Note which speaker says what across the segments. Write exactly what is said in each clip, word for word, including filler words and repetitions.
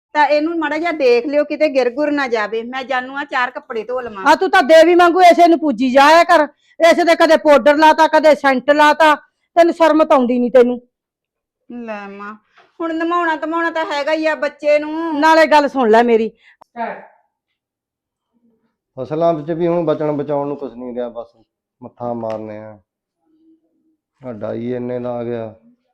Speaker 1: ਤਾਂ ਇਹਨੂੰ ਮਾੜਾ ਜਿਹਾ ਦੇਖ ਲਿਓ ਕਿਤੇ ਗਿਰ ਗੁਰ ਨਾ ਜਾਵੇ। ਮੈਂ ਜਾਨੂ ਆ ਚਾਰ ਕੱਪੜੇ ਧੋ ਲਵਾਂ।
Speaker 2: ਆ ਤੂੰ ਤਾਂ ਦੇਵੀ ਵਾਂਗੂ ਇਸੇ ਨੂੰ ਪੂਜੀ ਜਾਇਆ ਕਰ। ਇਸੇ ਦੇ ਕਦੇ ਪਾਊਡਰ ਲਾਤਾ ਕਦੇ ਸੈਂਟ ਲਾਤਾ, ਤੈਨੂੰ ਸ਼ਰਮ ਤਾਂ ਆਉਂਦੀ ਨਹੀਂ ਤੈਨੂੰ।
Speaker 1: ਲੈ ਮਾਂ ਹੁਣ ਨਮਾਉਣਾ ਧਮਾਉਣਾ ਤਾਂ ਹੈਗਾ ਹੀ ਆ ਬੱਚੇ ਨੂੰ।
Speaker 2: ਨਾਲੇ ਗੱਲ ਸੁਣ ਲੈ ਮੇਰੀ,
Speaker 3: ਫਸਲਾਂ ਵਿੱਚ ਵੀ ਹੁਣ ਬਚਣ ਬਚਾਉਣ ਨੂੰ ਕੁਝ ਨਹੀਂ ਰਿਹਾ, ਬਸ ਮੱਥਾ ਮਾਰਨੇ ਆ। ਸਾਡਾ ਹੀ ਇੰਨੇ ਦਾ ਆ ਗਿਆ,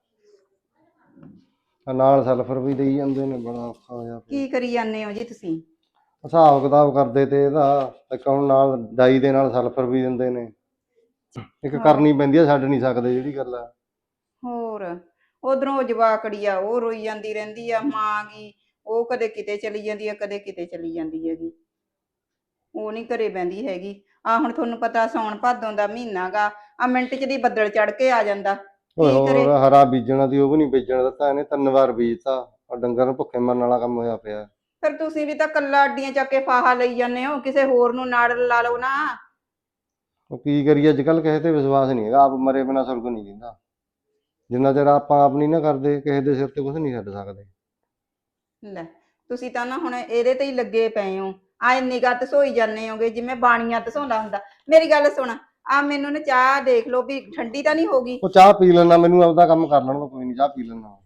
Speaker 3: ਨਾਲ ਸਲਫਰ ਵੀ ਦੇਈ ਜਾਂਦੇ ਨੇ, ਬੜਾ ਔਖਾ ਹੋਇਆ।
Speaker 1: ਕੀ ਕਰੀ ਜਾਂਦੇ ਹੋ ਜੀ ਤੁਸੀਂ?
Speaker 3: ਹਿਸਾਬ ਕਿਤਾਬ ਕਰਦੇ ਤੇ ਇਹਦਾ ਇੱਕ ਹੁਣ ਨਾਲ ਡਾਈ ਦੇ ਨਾਲ ਸਲਫਰ ਵੀ ਦਿੰਦੇ ਨੇ। ਇੱਕ ਕਰਨੀ ਪੈਂਦੀ ਆ, ਛੱਡ ਨਹੀਂ ਸਕਦੇ ਜਿਹੜੀ ਗੱਲ ਆ।
Speaker 1: ਹੋਰ ਉਧਰੋਂ ਜਵਾਕੜੀ ਆ ਉਹ ਰੋਈ ਜਾਂਦੀ ਰਹਿੰਦੀ ਆ, ਮਾਂ ਗੀ ਉਹ ਕਦੇ ਕਿਤੇ ਚਲੀ ਜਾਂਦੀ ਆ ਕਦੇ ਕਿਤੇ ਚਲੀ ਜਾਂਦੀ ਹੈਗੀ, ਉਹ ਨਹੀਂ ਘਰੇ ਬਹਿੰਦੀ ਹੈਗੀ। ਆ ਹੁਣ ਤੁਹਾਨੂੰ ਪਤਾ ਸੌਣ ਭਾਦੋਂ ਦਾ ਮਹੀਨਾ ਗਾ, ਆ ਮਿੰਟ ਚ ਦੀ ਬੱਦਲ ਚੜ ਕੇ ਆ ਜਾਂਦਾ।
Speaker 3: ਹੋਰ ਹਰਾ ਬੀਜਣਾ ਦੀ ਉਹ ਵੀ ਨਹੀਂ ਬੀਜਣ ਦਿੱਤਾ ਇਹਨੇ, ਤਿੰਨ ਵਾਰ ਬੀਜਤਾ। ਡੰਗਰ ਨੂੰ ਭੁੱਖੇ ਮਰਨ ਵਾਲਾ ਕੰਮ ਹੋਇਆ ਪਿਆ।
Speaker 1: ਫਿਰ ਤੁਸੀਂ ਵੀ ਤਾਂ ਕੱਲਾ ਅੱਡੀਆਂ ਚੱਕ ਕੇ ਫਾਹਾ ਲਈ ਜਾਂਦੇ ਹੋ, ਕਿਸੇ ਹੋਰ ਨੂੰ ਨਾੜ ਲਾ ਲਓ ਨਾ।
Speaker 3: ਉਹ ਕੀ ਕਰੀਏ, ਅੱਜ ਕੱਲ ਕਿਸੇ ਤੇ ਵਿਸ਼ਵਾਸ ਨਹੀਂ ਹੈਗਾ। ਆਪ ਮਰੇ ਬਿਨਾਂ ਸੁਰਗ ਨਹੀਂ ਦਿੰਦਾ। ਜਿੰਨਾ ਚਿਰ ਆਪਾਂ ਆਪ ਨਹੀਂ ਨਾ ਕਰਦੇ, ਕਿਸੇ ਦੇ ਸਿਰ ਤੇ ਕੁਝ ਨਹੀਂ ਛੱਡ ਸਕਦੇ।
Speaker 1: ਲੈ ਤੁਸੀਂ ਤਾਂ ਨਾ ਹੁਣ ਇਹਦੇ ਤੇ ਹੀ ਲੱਗੇ ਪਏ ਹੋ, ਆ ਨਿਗਾਹ ਤਸੋਈ ਜਾਂਦੇ ਹੋਗੇ ਜਿਵੇਂ ਬਾਣੀਆਂ ਤਸੋਂਦਾ ਹੁੰਦਾ। ਮੇਰੀ ਗੱਲ ਸੁਣ, ਆ ਮੈਨੂੰ ਨਾ ਚਾਹ ਦੇਖ ਲਓ ਵੀ ਠੰਡੀ ਤਾਂ ਨਹੀਂ ਹੋਗੀ।
Speaker 3: ਉਹ ਚਾਹ ਪੀ ਲੈਣਾ, ਮੈਨੂੰ ਆਪਦਾ ਕੰਮ ਕਰ ਲੈਣ ਦੋ, ਕੋਈ ਨਹੀਂ ਚਾਹ ਪੀ ਲੈਣਾ।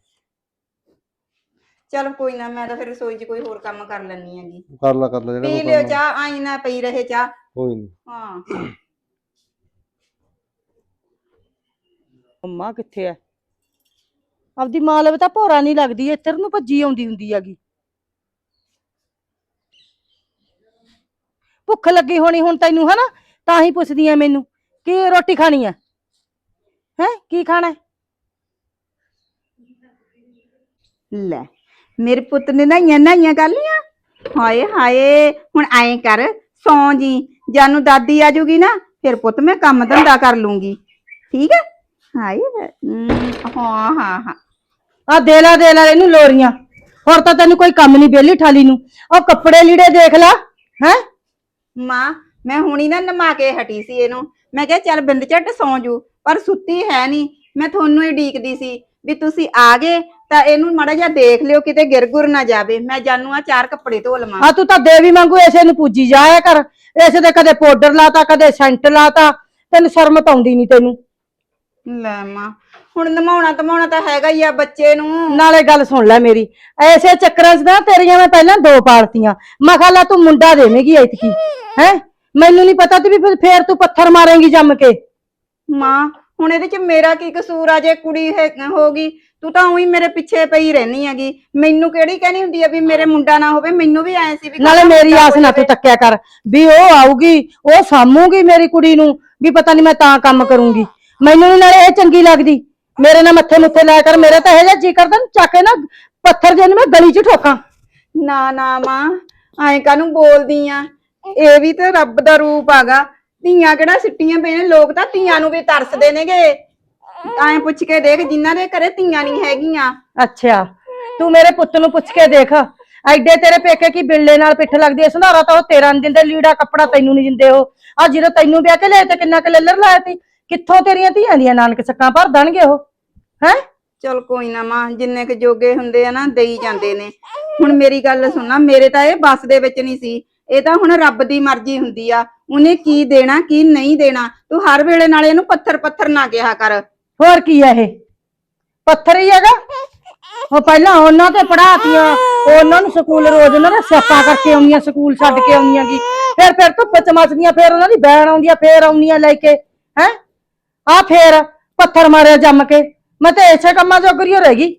Speaker 1: ਚਲ ਕੋਈ ਨਾ, ਮੈਂ ਤਾਂ ਫਿਰ ਰਸੋਈ 'ਚ ਕੋਈ ਹੋਰ ਕੰਮ ਕਰ ਲੈਣੀ ਹੈਗੀ।
Speaker 3: ਕਰ ਲਾ ਕਰ ਲਾ ਜਿਹੜਾ
Speaker 1: ਪੀ ਲਿਓ ਚਾਹ, ਆਈ ਨਾ ਪਈ ਰਹੇ ਚਾਹ।
Speaker 3: ਕੋਈ ਨਹੀਂ।
Speaker 1: ਹਾਂ
Speaker 2: ਮੰਮਾ ਕਿੱਥੇ ਐ? ਆਪਦੀ ਮਾਂ ਲਵੇ ਤਾਂ ਭੋਰਾ ਨਹੀਂ ਲੱਗਦੀ, ਇੱਧਰ ਨੂੰ ਭੱਜੀ ਆਉਂਦੀ ਹੁੰਦੀ ਹੈਗੀ। ਭੁੱਖ ਲੱਗੀ ਹੋਣੀ ਹੁਣ ਤੈਨੂੰ, ਹਨਾ? ਤਾਂ ਹੀ ਪੁੱਛਦੀ ਐ ਮੈਨੂੰ, ਕੀ ਰੋਟੀ ਖਾਣੀ ਐ? ਹੈ ਕੀ ਖਾਣਾ?
Speaker 1: ਲੈ ਮੇਰੇ ਪੁੱਤ ਨੇ ਨਹਾਈਆਂ ਨਹਾਈਆਂ ਕਰ ਲੀਆਂ। ਹਾਏ ਹਾਏ ਹੁਣ ਐਂ ਕਰ, ਸੌਂ ਜੀ, ਜਾਨੂੰ ਦਾਦੀ ਆ ਜੂਗੀ ਨਾ ਫਿਰ ਪੁੱਤ ਮੈਂ ਕੰਮ ਧੰਦਾ ਕਰ ਲੂੰਗੀ, ਠੀਕ ਹੈ? ਹਾਏ ਹਾਂ ਹਾਂ ਹਾਂ
Speaker 2: ਆ ਦੇ ਲਾ ਦੇ ਲਾ ਇਹਨੂੰ ਲੋਰੀਆਂ, ਹੋਰ ਤਾਂ ਤੈਨੂੰ ਕੋਈ ਕੰਮ ਨਹੀਂ ਵਿਹਲੀ ਠਾਲੀ ਨੂੰ। ਉਹ ਕੱਪੜੇ ਲੀੜੇ ਦੇਖ ਲਾ। ਹੈ
Speaker 1: ਮਾਂ ਮੈਂ ਹੁਣੀ ਨਾ ਨਮਾ ਕੇ ਹਟੀ ਸੀ ਇਹਨੂੰ, ਮੈਂ ਕਿਹਾ ਚੱਲ ਬਿੰਦ ਝੱਟ ਸੌਂ ਜੂ, ਪਰ ਸੁੱਤੀ ਹੈ ਨਹੀਂ। ਮੈਂ ਤੁਹਾਨੂੰ ਹੀ ਡੀਕਦੀ ਸੀ ਵੀ ਤੁਸੀਂ ਆ ਗਏ ਤਾਂ ਇਹਨੂੰ ਮਾੜਾ ਜਿਹਾ ਦੇਖ ਲਿਓ ਕਿਤੇ ਗਿਰ ਗੁਰ ਨਾ ਜਾਵੇ। ਮੈਂ ਜਾਨੂ ਆ ਚਾਰ ਕੱਪੜੇ ਧੋ ਲਵਾਂ।
Speaker 2: ਆ ਤੂੰ ਤਾਂ ਦੇਵੀ ਵਾਂਗੂ ਇਸੇ ਨੂੰ ਪੂਜੀ ਜਾਇਆ ਕਰ। ਇਸੇ ਦੇ ਕਦੇ ਪਾਊਡਰ ਲਾਤਾ ਕਦੇ ਸੈਂਟ ਲਾਤਾ, ਤੈਨੂੰ ਸ਼ਰਮ ਤਾਂ ਆਉਂਦੀ ਨਹੀਂ ਤੈਨੂੰ।
Speaker 1: ਲੈ ਮਾਂ ਹੁਣ ਨਮਾਉਣਾ ਧਮਾਉਣਾ ਤਾਂ ਹੈਗਾ ਹੀ ਆ ਬੱਚੇ ਨੂੰ।
Speaker 2: ਨਾਲੇ ਗੱਲ ਸੁਣ ਲੈ ਮੇਰੀ, ਐਸੇ ਚੱਕਰਾਂ 'ਚ ਨਾ ਤੇਰੀਆਂ ਮੈਂ ਪਹਿਲਾਂ ਦੋ ਪਾਲਤੀਆਂ। ਮੈਂ ਕਿਹਾ ਲੈ ਤੂੰ ਮੁੰਡਾ ਦੇਵੇਂਗੀ ਐਤਕੀ, ਹੈ? ਮੈਨੂੰ ਨਹੀਂ ਪਤਾ ਤੇ ਵੀ ਫੇਰ ਤੂੰ ਪੱਥਰ ਮਾਰੇਂਗੀ ਜੰਮ ਕੇ।
Speaker 1: ਮਾਂ ਹੁਣ ਇਹਦੇ 'ਚ ਮੇਰਾ ਕੀ ਕਸੂਰ ਆ? ਜੇ ਕੁੜੀ ਹੋ ਗਈ, ਤੂੰ ਤਾਂ ਉਹੀ ਮੇਰੇ ਪਿੱਛੇ ਪਈ ਰਹਿਨੀ ਹੈਗੀ। ਮੈਨੂੰ ਕਿਹੜੀ ਕਹਿਣੀ ਹੁੰਦੀ ਆ ਵੀ ਮੇਰੇ ਮੁੰਡਾ ਨਾ ਹੋਵੇ? ਮੈਨੂੰ ਵੀ ਐ ਸੀ ਵੀ
Speaker 2: ਨਾਲੇ ਮੇਰੀ ਆਸ ਨਾ ਤੂੰ ਤੱਕਿਆ ਕਰ ਵੀ ਉਹ ਆਊਗੀ ਉਹ ਸਾਂਭੂਗੀ ਮੇਰੀ ਕੁੜੀ ਨੂੰ, ਵੀ ਪਤਾ ਨਹੀਂ ਮੈਂ ਤਾਂ ਕੰਮ ਕਰੂੰਗੀ। ਮੈਨੂੰ ਨੀ ਨਾਲੇ ਇਹ ਚੰਗੀ ਲੱਗਦੀ। ਮੇਰੇ ਨਾਲ ਮੱਥੇ ਮੁੱਥੇ ਲਾਇਆ ਕਰ, ਮੇਰੇ ਤਾਂ ਇਹ ਜਿਹਾ ਜੀ ਕਰਦਾ ਚੱਕ ਕੇ ਨਾ ਪੱਥਰ ਜਿਹਨੂੰ ਮੈਂ ਗਲੀ 'ਚ ਠੋਕਾਂ।
Speaker 1: ਨਾ ਨਾ ਮਾਂ ਐਂ ਕਾਹਨੂੰ ਬੋਲਦੀ ਆ? ਇਹ ਵੀ ਤਾਂ ਰੱਬ ਦਾ ਰੂਪ ਆਗਾ। ਧੀਆਂ ਕਿਹੜਾ ਸਿੱਟੀਆਂ ਪਈਆਂ ਨੇ, ਲੋਕ ਤਾਂ ਧੀਆਂ ਨੂੰ ਵੀ ਤਰਸਦੇ ਨੇਗੇ। ਐਂ ਪੁੱਛ ਕੇ ਦੇਖ ਜਿਨ੍ਹਾਂ ਦੇ ਘਰੇ ਧੀਆਂ ਨਹੀਂ ਹੈਗੀਆਂ।
Speaker 2: ਅੱਛਾ ਤੂੰ ਮੇਰੇ ਪੁੱਤ ਨੂੰ ਪੁੱਛ ਕੇ ਦੇਖ, ਐਡੇ ਤੇਰੇ ਪੇਕੇ ਕੀ ਬਿੱਲੇ ਨਾਲ ਪਿੱਠ ਲੱਗਦੀ ਐ? ਸੰਧਾਰਾ ਤਾਂ ਉਹ ਤੇਰਾ ਨੀ ਦਿੰਦੇ, ਲੀੜਾ ਕੱਪੜਾ ਤੈਨੂੰ ਨੀ ਦਿੰਦੇ। ਉਹ ਆ ਜਦੋਂ ਤੈਨੂੰ ਵਿਆਹ ਕੇ ਲਿਆਏ ਤੇ ਕਿੰਨਾ ਕੁ ਲੱਲਰ ਲਾਇਆ ਤੀ। ਕਿੱਥੋਂ ਤੇਰੀਆਂ ਧੀਆਂ ਦੀਆਂ ਨਾਨਕ ਸੱਕਾਂ ਭਰ ਦੇਣਗੇ ਉਹ? ਹੈ
Speaker 1: ਚਲ ਕੋਈ ਨਾ ਮਾਂ, ਜਿੰਨੇ ਕੁ ਜੋਗੇ ਹੁੰਦੇ ਆ ਨਾ ਦੇਈ ਜਾਂਦੇ ਨੇ। ਹੁਣ ਮੇਰੀ ਗੱਲ ਸੁਣਨਾ, ਮੇਰੇ ਤਾਂ ਇਹ ਬੱਸ ਦੇ ਵਿੱਚ ਨਹੀਂ ਸੀ। ਇਹ ਤਾਂ ਹੁਣ ਰੱਬ ਦੀ ਮਰਜ਼ੀ ਹੁੰਦੀ ਆ, ਉਹਨੇ ਕੀ ਦੇਣਾ ਕੀ ਨਹੀਂ ਦੇਣਾ। ਤੂੰ ਹਰ ਵੇਲੇ ਨਾਲ ਇਹਨੂੰ ਪੱਥਰ ਪੱਥਰ ਨਾ ਕਿਹਾ ਕਰ।
Speaker 2: ਹੋਰ ਕੀ ਹੈ ਇਹ? ਪੱਥਰ ਹੀ ਹੈਗਾ। ਉਹ ਪਹਿਲਾਂ ਉਹਨਾਂ ਤੇ ਪੜਾਤੀਆਂ, ਉਹਨਾਂ ਨੂੰ ਸਕੂਲ ਰੋਜ਼ ਉਹਨਾਂ ਨੇ ਸਿਆਪਾ ਕਰਕੇ ਆਉਂਦੀਆਂ, ਸਕੂਲ ਛੱਡ ਕੇ ਆਉਂਦੀਆਂ ਕੀ, ਫਿਰ ਫਿਰ ਧੁੱਪ ਚ ਮੱਚਦੀਆਂ, ਫਿਰ ਉਹਨਾਂ ਦੀ ਬੈਣ ਆਉਂਦੀ ਆ, ਫਿਰ ਆਉਂਦੀਆਂ ਲੈ ਕੇ। ਹੈ ਆ ਫੇਰ ਪੱਥਰ ਮਾਰਿਆ ਜੰਮ ਕੇ। ਮੈਂ ਤਾਂ ਇਸੇ ਕੰਮਾਂ ਜੋਗਰੀ ਰਹਿ ਗਈ।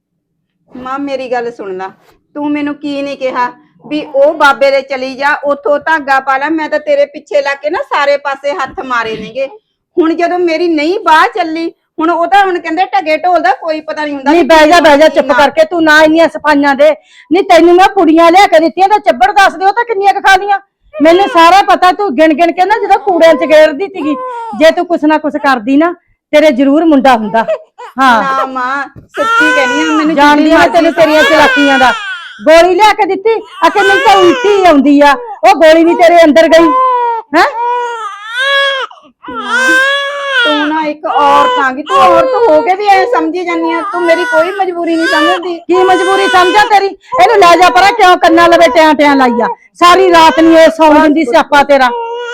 Speaker 1: ਮਾਂ ਮੇਰੀ ਗੱਲ ਸੁਣ ਲਾ, ਤੂੰ ਮੈਨੂੰ ਕੀ ਨਹੀਂ ਕਿਹਾ ਵੀ ਉਹ ਬਾਬੇ ਦੇ ਚਲੀ ਜਾ, ਉੱਥੋਂ ਧਾਗਾ ਪਾ ਲੈ। ਮੈਂ ਤਾਂ ਤੇਰੇ ਪਿੱਛੇ ਲੱਗ ਕੇ ਨਾ ਸਾਰੇ ਪਾਸੇ ਹੱਥ ਮਾਰੇ ਨੇਗੇ। ਹੁਣ ਜਦੋਂ ਮੇਰੀ ਨਹੀਂ ਬਾਹ ਚੱਲੀ, ਹੁਣ ਉਹ ਤਾਂ ਹੁਣ ਕਹਿੰਦੇ ਢਗੇ ਢੋਲ ਦਾ ਕੋਈ ਪਤਾ ਨਹੀਂ ਹੁੰਦਾ।
Speaker 2: ਨਹੀਂ ਬਹਿ ਜਾ ਬਹਿ ਜਾ ਚੁੱਪ ਕਰਕੇ, ਤੂੰ ਨਾ ਇੰਨੀਆਂ ਸਫਾਈਆਂ ਦੇ। ਨਹੀਂ ਤੈਨੂੰ ਮੈਂ ਪੁੜੀਆਂ ਲਿਆ ਕੇ ਦਿੱਤੀਆਂ ਤਾਂ ਚੱਬੜ ਦੱਸ ਦਿਓ ਤਾਂ ਕਿੰਨੀਆਂ ਕੁ ਖਾ ਲੀਆਂ? ਮੈਨੂੰ ਸਾਰਾ ਪਤਾ, ਤੂੰ ਗਿਣ ਗਿਣ ਕੇ ਨਾ ਜਦੋਂ ਕੂੜਿਆਂ ਚ ਗੇਰਦੀ ਸੀਗੀ। ਜੇ ਤੂੰ ਕੁਛ ਨਾ ਕੁਛ ਕਰਦੀ ਨਾ ਤੇਰੇ ਜ਼ਰੂਰ ਮੁੰਡਾ ਹੁੰਦਾ। ਹਾਂ
Speaker 1: ਨਾ ਮਾਂ ਸੱਚੀ ਕਹਿੰਦੀ ਆ, ਮੈਨੂੰ
Speaker 2: ਜਾਣਦੀ ਆ ਤੈਨੂੰ ਤੇਰੀਆਂ ਚਲਾਕੀਆਂ ਦਾ। ਗੋਲੀ ਲਿਆ ਕੇ ਦਿੱਤੀ ਆ ਕਿ ਮੈਨੂੰ ਤਾਂ ਉਲਟੀ ਆਉਂਦੀ ਆ, ਉਹ ਗੋਲੀ ਵੀ ਤੇਰੇ ਅੰਦਰ ਗਈ। ਹੈ
Speaker 1: ਤੂੰ ਨਾ ਇੱਕ ਔਰਤ ਆਂਗੀ, ਤੂੰ ਔਰਤ ਹੋ ਕੇ ਵੀ ਐ ਸਮਝੀ ਜਾਂਦੀ ਆ, ਤੂੰ ਮੇਰੀ ਕੋਈ ਮਜਬੂਰੀ ਨਹੀਂ ਸਮਝਦੀ।
Speaker 2: ਕੀ ਮਜਬੂਰੀ ਸਮਝਾ ਤੇਰੀ? ਇਹਨੂੰ ਲੈ ਜਾ ਪਰਾਂ, ਕਿਉਂ ਕੰਨਾਂ ਲਵੇ ਟਿਆਂ ਟਿਆਂ ਲਾਈਆ? ਸਾਰੀ ਰਾਤ ਨਹੀਂ ਇਹ ਸੌਂ ਦਿੰਦੀ ਸਿਆਪਾ ਤੇਰਾ।